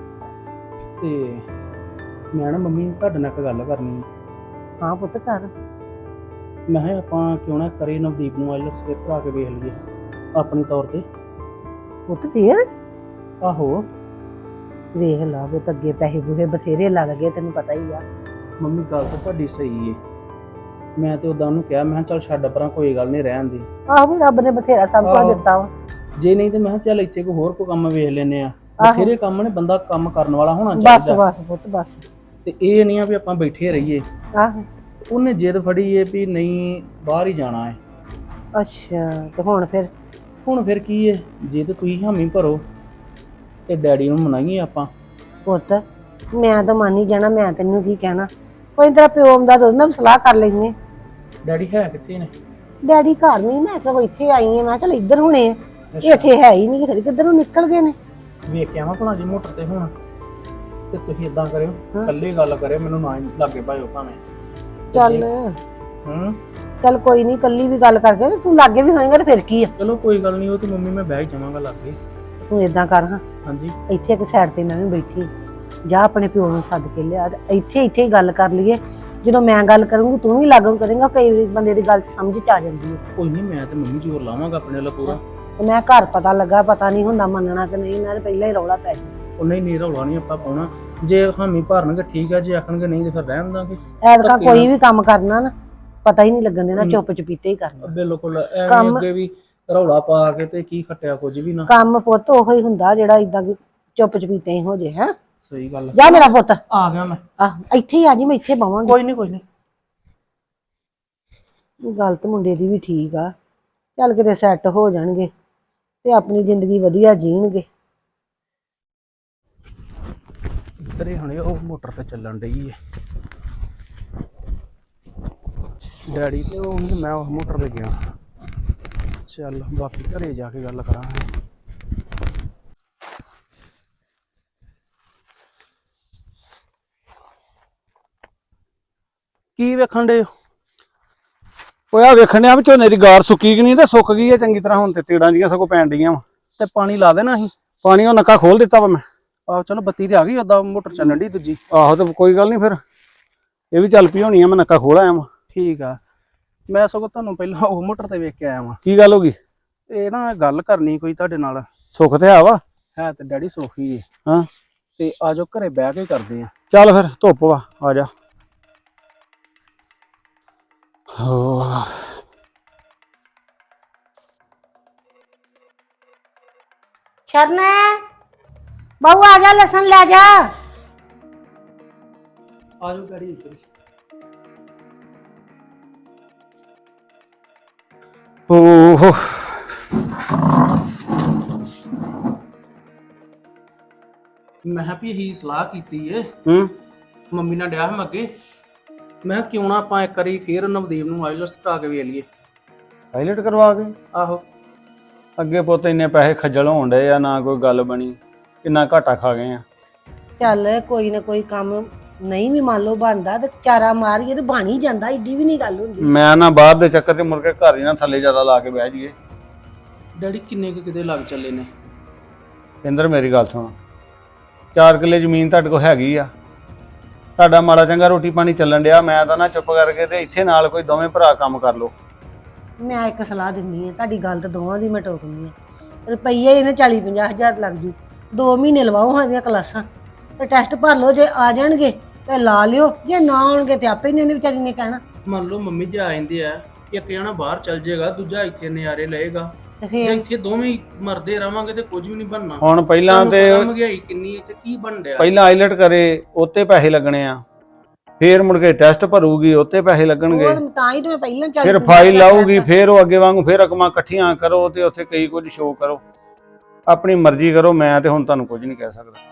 Speaker 2: ਤੇ ਮੈਂ ਨਾ ਮੰਮੀ ਤੁਹਾਡੇ ਨਾਲ ਇੱਕ ਗੱਲ ਕਰਨੀ ਹੈ।
Speaker 9: ਹਾਂ ਪੁੱਤ ਕਰ।
Speaker 2: ਮੈਂ ਕਿਹਾ ਆਪਾਂ ਕਿਉਂ ਨਾ ਕਰੇ ਨਵਦੀਪ ਨੂੰ ਆਈਲੈਟਸ ਫਿਰ ਭਰਾ ਕੇ ਵੇਖ ਲਈਏ ਆਪਣੀ ਤੌਰ ਤੇ।
Speaker 9: ਪੁੱਤ ਫੇਰ
Speaker 2: ਆਹੋ
Speaker 9: ਵੇਖ ਲਾ ਪੁੱਤ, ਅੱਗੇ ਪੈਸੇ ਪੂਸੇ ਬਥੇਰੇ ਲੱਗ ਗਏ ਤੈਨੂੰ ਪਤਾ ਹੀ ਆ।
Speaker 2: ਮੰਮੀ ਗੱਲ ਤਾਂ ਤੁਹਾਡੀ ਸਹੀ ਏ। ਮੈਂ ਤੇ ਉਦਾਂ ਉਹਨੂੰ ਕਿਹਾ, ਮੈਂ ਕਿਹਾ ਚੱਲ ਛੱਡ ਪਰਾਂ, ਕੋਈ ਗੱਲ ਨਹੀਂ ਰਹਿਣ ਦੀ।
Speaker 9: ਆਹੋ ਵੀ ਰੱਬ ਨੇ ਬਥੇਰਾ ਸਭ ਕੁਝ ਦਿੱਤਾ ਵਾ।
Speaker 2: ਜੇ ਨਹੀਂ ਤੇ ਮੈਂ ਕਿਹਾ ਚੱਲ ਇੱਥੇ ਕੋਈ ਹੋਰ ਕੋਈ ਕੰਮ ਵੇਖ ਲੈਨੇ ਆ।
Speaker 9: ਆਹੋ।
Speaker 2: ਬਥੇਰੇ ਕੰਮ ਨੇ, ਬੰਦਾ ਕੰਮ ਕਰਨ ਵਾਲਾ ਹੋਣਾ
Speaker 9: ਬਸ
Speaker 2: ਚਾਹੀਦਾ।
Speaker 9: ਬਸ ਪੁੱਤ ਬਸ।
Speaker 2: ਤੇ ਇਹ ਨਹੀਂ ਆ ਵੀ ਆਪਾਂ ਬੈਠੇ ਰਹੀਏ।
Speaker 9: ਆਹੋ
Speaker 2: ਉਹਨੇ ਜਿੱਦ ਫੜੀ ਏ ਵੀ ਨਹੀਂ ਬਾਹਰ ਹੀ ਜਾਣਾ ਹੈ।
Speaker 9: ਅੱਛਾ ਤੇ ਹੁਣ
Speaker 2: ਫਿਰ ਕੀ ਏ, ਜੇ ਤੇ ਤੁਸੀਂ ਹਾਮੀ ਭਰੋ ਤੇ ਡੈਡੀ ਨੂੰ ਮਨਾਈਏ ਆਪਾਂ।
Speaker 9: ਪੁੱਤ ਮੈਂ ਤਾਂ ਮੰਨ ਹੀ ਜਾਣਾ, ਮੈਂ ਤੈਨੂੰ ਕੀ ਕਹਿਣਾ। ਕੋਈ ਤੇਰਾ ਪਿਓ ਆਉਂਦਾ ਤਾਂ ਉਹਦੇ ਨਾਲ ਸਲਾਹ ਕਰ ਲੈਂਦੇ।
Speaker 2: ਡੈਡੀ ਹੈ ਕਿੱਥੇ ਨੇ?
Speaker 9: ਡੈਡੀ ਘਰ ਨਹੀਂ, ਮੈਂ ਸਗੋਂ ਇੱਥੇ ਆਈ ਆ। ਮੈਂ ਚੱਲ ਇੱਧਰ ਹੋਣੇ ਆ, ਇੱਥੇ ਹੈ ਹੀ ਨਹੀਂ, ਕਿੱਧਰ ਨੂੰ ਨਿਕਲ ਗਏ ਨੇ।
Speaker 2: ਵੇਖ ਕੇ ਆਵਾਂ ਭਲਾ ਜੀ ਮੋਟਰ ਤੇ ਹੁਣ। ਤੇ ਤੁਸੀਂ ਇਦਾਂ ਕਰਿਓ,
Speaker 9: ਹਾਂ।
Speaker 2: ਇਕੱਲੇ ਗੱਲ ਕਰਿਓ, ਮੈਨੂੰ ਨਾ ਲਾਗੇ ਭਾਇਓ ਭਾਵੇਂ।
Speaker 9: ਚੱਲ ਚੱਲ ਕੋਈ ਨਹੀਂ, ਕੱਲੀ ਵੀ ਗੱਲ ਕਰਕੇ ਤੇ ਤੂੰ ਲਾਗੇ ਵੀ ਹੋਏਗਾ ਤੇ ਫਿਰ ਕੀ ਆ।
Speaker 2: ਚਲੋ ਕੋਈ ਗੱਲ ਨਹੀਂ, ਉਹ ਤੇ ਮੰਮੀ ਮੈਂ ਬਹਿ ਹੀ ਜਾਵਾਂਗਾ ਲਾਗੇ।
Speaker 9: ਤੂੰ ਏਦਾਂ ਕਰ ਹਾਂ,
Speaker 2: ਹਾਂਜੀ
Speaker 9: ਇੱਥੇ ਇੱਕ ਸਾਈਡ ਤੇ ਮੈਂ ਵੀ ਬੈਠੀ ਜਾ, ਆਪਣੇ ਪਿਓ ਨੂੰ ਸੱਦ ਕੇ ਲਿਆ ਤੇ ਇੱਥੇ ਹੀ ਗੱਲ ਕਰ ਲਈਏ। ਜਦੋਂ ਮੈਂ ਗੱਲ ਕਰੂੰਗੀ ਤੂੰ ਵੀ ਲਾਗੂ ਕਰੇਂਗਾ, ਕਈ ਬੰਦੇ ਦੀ ਗੱਲ ਸਮਝ ਚ ਆ ਜਾਂਦੀ ਹੈ।
Speaker 2: ਕੋਈ ਨਹੀਂ, ਮੈਂ ਤੇ ਮੰਮੀ ਜ਼ੋਰ ਲਾਵਾਂਗਾ ਆਪਣੇ ਵੱਲ ਪੂਰਾ।
Speaker 9: ਤੇ ਮੈਂ ਘਰ ਪਤਾ ਲੱਗਾ, ਪਤਾ ਨਹੀਂ ਹੁੰਦਾ ਮੰਨਣਾ ਕਿ ਨਹੀਂ, ਮੈਂ ਤਾਂ ਪਹਿਲਾਂ ਹੀ ਰੌਲਾ ਪੈ ਜੀ।
Speaker 2: ਉਹ ਨਹੀਂ ਰੌਲਾ ਨਹੀਂ ਆਪਾਂ ਪਾਉਣਾ। ਜੇ ਹਾਮੀ ਭਰਨਗੇ ਠੀਕ ਆ, ਜੇ ਆਖਣਗੇ ਨਹੀਂ ਤੇ ਫਿਰ ਰਹਿਣ ਦਾਂਗੇ।
Speaker 9: ਐਤਕਾਂ ਕੋਈ ਵੀ ਕੰਮ ਕਰਨਾ ਨਾ ਪਤਾ ਹੀ ਨਹੀਂ ਲੱਗਣ ਦੇਣਾ, ਚੁੱਪ ਚਪੀਤੇ ਹੀ ਕਰਨਾ।
Speaker 2: ਬਿਲਕੁਲ ਐਵੇਂ
Speaker 9: ਕੰਮ-
Speaker 2: ਅੱਗੇ ਵੀ ਰੌਲਾ ਪਾ ਕੇ ਤੇ ਕੀ ਖੱਟਿਆ ਕੁਝ ਵੀ ਨਾ।
Speaker 9: ਕੰਮ ਪੁੱਤ ਉਹੋ ਹੀ ਹੁੰਦਾ ਜਿਹੜਾ ਇਦਾਂ ਚੁੱਪ ਚਪੀਤੇ ਹੀ ਹੋ ਜੇ। ਹੈ
Speaker 2: ਸਹੀ ਗੱਲ।
Speaker 9: ਜਾ ਮੇਰਾ ਪੁੱਤ,
Speaker 2: ਆ ਗਿਆ ਮੈਂ।
Speaker 9: ਇੱਥੇ ਹੀ ਆ ਜੀ, ਮੈਂ ਇੱਥੇ ਬਵਾਂਗੀ।
Speaker 2: ਕੋਈ ਨਹੀਂ
Speaker 9: ਗੱਲ ਤਾਂ ਮੁੰਡੇ ਦੀ ਵੀ ਠੀਕ ਆ, ਚੱਲ ਕਿਤੇ ਸੈੱਟ ਹੋ ਜਾਣਗੇ ਤੇ ਆਪਣੀ ਜ਼ਿੰਦਗੀ ਵਧੀਆ ਜੀਣਗੇ।
Speaker 2: ਤੇਰੇ ਹੁਣੇ ਉਹ ਮੋਟਰ ਤੇ ਚੱਲਣ ਡਈ ਏ ਡੈਡੀ ਤੇ ਉਹ ਨਹੀਂ, ਮੈਂ ਉਸ ਮੋਟਰ ਤੇ ਗਿਆ। ਚੱਲ ਬਾਕੀ ਘਰੇ ਜਾ ਕੇ ਗੱਲ ਕਰਾਂਗੇ। ਕੀ ਵੇਖਣ ਡੇ?
Speaker 10: ਓਏ ਆ ਵੇਖਣ ਡਿਆ ਵੀ ਝੋਨੇ ਦੀ ਗਾਰ ਸੁੱਕੀ ਕਿ ਨਹੀਂ, ਤੇ ਸੁੱਕ ਗਈ ਹੈ ਚੰਗੀ ਤਰ੍ਹਾਂ। ਹੁਣ ਤੇ ਤੀੜਾਂ ਜੀਆਂ ਸਗੋਂ ਪੈਣ ਡੀਆਂ ਵਾ।
Speaker 2: ਤੇ ਪਾਣੀ ਲਾ ਦੇਣਾ ਸੀ।
Speaker 10: ਪਾਣੀ ਉਹ ਨੱਕਾ ਖੋਲ ਦਿੱਤਾ ਵਾ ਮੈਂ।
Speaker 2: ਆਹੋ ਚਲੋ, ਬੱਤੀ ਤੇ ਆ ਗਈ, ਓਦਾਂ ਮੋਟਰ ਚੱਲਣ ਡੀ ਦੂਜੀ।
Speaker 10: ਆਹੋ ਤੇ ਕੋਈ ਗੱਲ ਨਹੀਂ, ਫਿਰ ਇਹ ਵੀ ਚੱਲ ਪਈ ਹੋਣੀ ਆ। ਮੈਂ ਨੱਕਾ ਖੋਲ ਆਇਆ ਵਾ।
Speaker 2: ਠੀਕ ਆ। ਮੈਂ ਸਗੋਂ ਤੁਹਾਨੂੰ ਪਹਿਲਾਂ ਉਹ ਮੋਟਰ ਤੇ ਵੇਖ ਕੇ ਆਇਆ ਵਾਂ।
Speaker 10: ਕੀ ਗੱਲ ਹੋ ਗਈ?
Speaker 2: ਇਹ ਨਾ ਗੱਲ ਕਰਨੀ ਕੋਈ ਤੁਹਾਡੇ ਨਾਲ।
Speaker 10: ਸੁੱਖ ਤੇ ਆ ਵਾ।
Speaker 2: ਹੈ ਤੇ ਡੈਡੀ ਸੋਖੀ ਏ।
Speaker 10: ਹਾਂ
Speaker 2: ਤੇ ਆਜੋ ਘਰੇ ਬਹਿ ਕੇ ਕਰਦੇ ਆ।
Speaker 10: ਚੱਲ ਫਿਰ, ਧੁੱਪ ਵਾ, ਆ ਜਾ। ਹੋ
Speaker 9: ਸ਼ਰਨ ਬਾਹੂ ਆ ਜਾ, ਲਸਣ ਲੈ ਜਾ।
Speaker 2: ਆਜੋ ਡੈਡੀ ਇੱਧਰ।
Speaker 10: ਓਹ
Speaker 2: ਮੈਂ ਕਿਹਾ ਵੀ ਇਹੀ ਸਲਾਹ ਕੀਤੀ ਏ।
Speaker 10: ਹੂੰ
Speaker 2: ਮੰਮੀ ਨਾਲ ਡਿਆ ਮੈਂ ਅੱਗੇ। ਮੈਂ ਕਿਹਾ ਕਿਉਂ ਨਾ ਆਪਾਂ ਇੱਕ ਵਾਰੀ ਫੇਰ ਨਵਦੀਪ ਨੂੰ ਆਈਲੈਟਸ ਕਰਾ ਕੇ ਵੇਖ ਲਈਏ।
Speaker 10: ਪਾਇਲਟ ਕਰਵਾ ਕੇ?
Speaker 2: ਆਹੋ।
Speaker 10: ਅੱਗੇ ਪੁੱਤ ਇੰਨੇ ਪੈਸੇ ਖੱਜਲ ਹੋਣ ਡਏ ਆ, ਨਾ ਕੋਈ ਗੱਲ ਬਣੀ, ਕਿੰਨਾ ਘਾਟਾ ਖਾ ਗਏ ਆ।
Speaker 9: ਚੱਲ ਕੋਈ ਨਾ ਕੋਈ ਕੰਮ ਨਹੀਂ ਵੀ ਮੰਨ ਲਓ ਬਣਦਾ ਤੇ ਚਾਰਾ ਮਾਰੀਏ ਤੇ ਬਣ ਹੀ ਜਾਂਦਾ, ਏਡੀ ਵੀ ਨਹੀਂ ਗੱਲ ਹੁੰਦੀ।
Speaker 10: ਮੈਂ ਨਾ ਬਾਹਰ ਦੇ ਚੱਕਰ 'ਚ ਮੁੜ ਕੇ ਘਰ ਹੀ ਨਾ ਥੱਲੇ ਜ਼ਿਆਦਾ ਲਾ ਕੇ ਬਹਿ ਜਾਈਏ।
Speaker 2: ਡੈਡੀ ਕਿੰਨੇ ਕੁ ਕਿਤੇ ਲੱਗ ਚੱਲੇ ਨੇ?
Speaker 10: ਇੰਦਰ ਮੇਰੀ ਗੱਲ ਸੁਣ, 4 ਕਿੱਲੇ ਜ਼ਮੀਨ ਤੁਹਾਡੇ ਕੋਲ ਹੈਗੀ ਆ। ਤੁਹਾਡਾ ਮਾੜਾ ਚੰਗਾ ਰੋਟੀ ਪਾਣੀ ਚੱਲਣ ਡਿਆ, ਮੈਂ ਤਾਂ ਨਾ ਚੁੱਪ ਕਰਕੇ ਤੇ ਇੱਥੇ ਨਾਲ ਕੋਈ ਦੋਵੇਂ ਭਰਾ ਕੰਮ ਕਰ ਲਓ।
Speaker 9: ਮੈਂ ਇੱਕ ਸਲਾਹ ਦਿੰਦੀ ਆ, ਤੁਹਾਡੀ ਗੱਲ ਤਾਂ ਦੋਵਾਂ ਦੀ ਮੈਂ ਟੋਕਨੀ ਆ। ਰੁਪਈਏ ਇਹਨੇ 40-50 ਹਜ਼ਾਰ ਲੱਗ ਜੂ, 2 ਮਹੀਨੇ ਲਵਾਓ ਹਾਂ ਦੀਆਂ ਕਲਾਸਾਂ ਤੇ ਟੈਸਟ ਭਰ ਲਓ। ਜੇ ਆ ਜਾਣਗੇ ਤੇ ਲਾ ਲਿਓ, ਜੇ ਨਾ ਆਉਣਗੇ ਤੇ ਆਪੇ ਇਹਨੇ ਵਿਚਾਰੀ ਨੇ ਕਹਿਣਾ।
Speaker 2: ਮੰਨ ਲਓ ਮੰਮੀ ਜੀ ਆ ਜਾਂਦੇ ਆ, ਇੱਕ ਜਣਾ ਬਾਹਰ ਚੱਲ ਜਾਏਗਾ, ਦੂਜਾ ਇੱਥੇ ਨਜ਼ਾਰੇ ਲਏਗਾ।
Speaker 9: ਤੇ
Speaker 2: ਜੇ
Speaker 9: ਫੇਰ
Speaker 2: ਇੱਥੇ ਦੋਵੇਂ ਹੀ ਮਰਦੇ ਰਵਾਂਗੇ ਤੇ ਕੁਝ ਵੀ ਨਹੀਂ ਬਣਨਾ।
Speaker 10: ਹੁਣ ਪਹਿਲਾਂ
Speaker 2: ਤੁਹਾਨੂੰ
Speaker 10: ਤੇ
Speaker 2: ਪਤਾ ਮਹਿੰਗਾਈ ਕਿੰਨੀ ਇੱਥੇ ਕੀ ਬਣ ਰਿਹਾ।
Speaker 10: ਪਹਿਲਾਂ ਆਈਲਟ ਕਰੇ ਉੱਤੇ ਪੈਸੇ ਲੱਗਣੇ ਆ, ਫੇਰ ਮੁੜ ਕੇ ਟੈਸਟ ਭਰੂਗੀ ਉੱਤੇ ਪੈਸੇ ਲੱਗਣਗੇ,
Speaker 9: ਉਹ ਤਾਂ ਹੀ ਤੇ ਮੈਂ ਪਹਿਲਾਂ 40
Speaker 10: ਫਿਰ
Speaker 9: 50
Speaker 10: ਫਾਈਲ
Speaker 9: ਹਜ਼ਾਰ
Speaker 10: ਲਾਊਗੀ,
Speaker 9: ਕਹਿਤਾ।
Speaker 10: ਫੇਰ ਉਹ ਅੱਗੇ ਵਾਂਗੂ ਫੇਰ ਰਕਮਾਂ ਇਕੱਠੀਆਂ ਕਰੋ ਤੇ ਉੱਥੇ ਕਈ ਕੁਝ ਸ਼ੋਅ ਕਰੋ। ਆਪਣੀ ਮਰਜ਼ੀ ਕਰੋ, ਮੈਂ ਤੇ ਹੁਣ ਤੁਹਾਨੂੰ ਕੁਝ ਨਹੀਂ ਕਹਿ ਸਕਦਾ।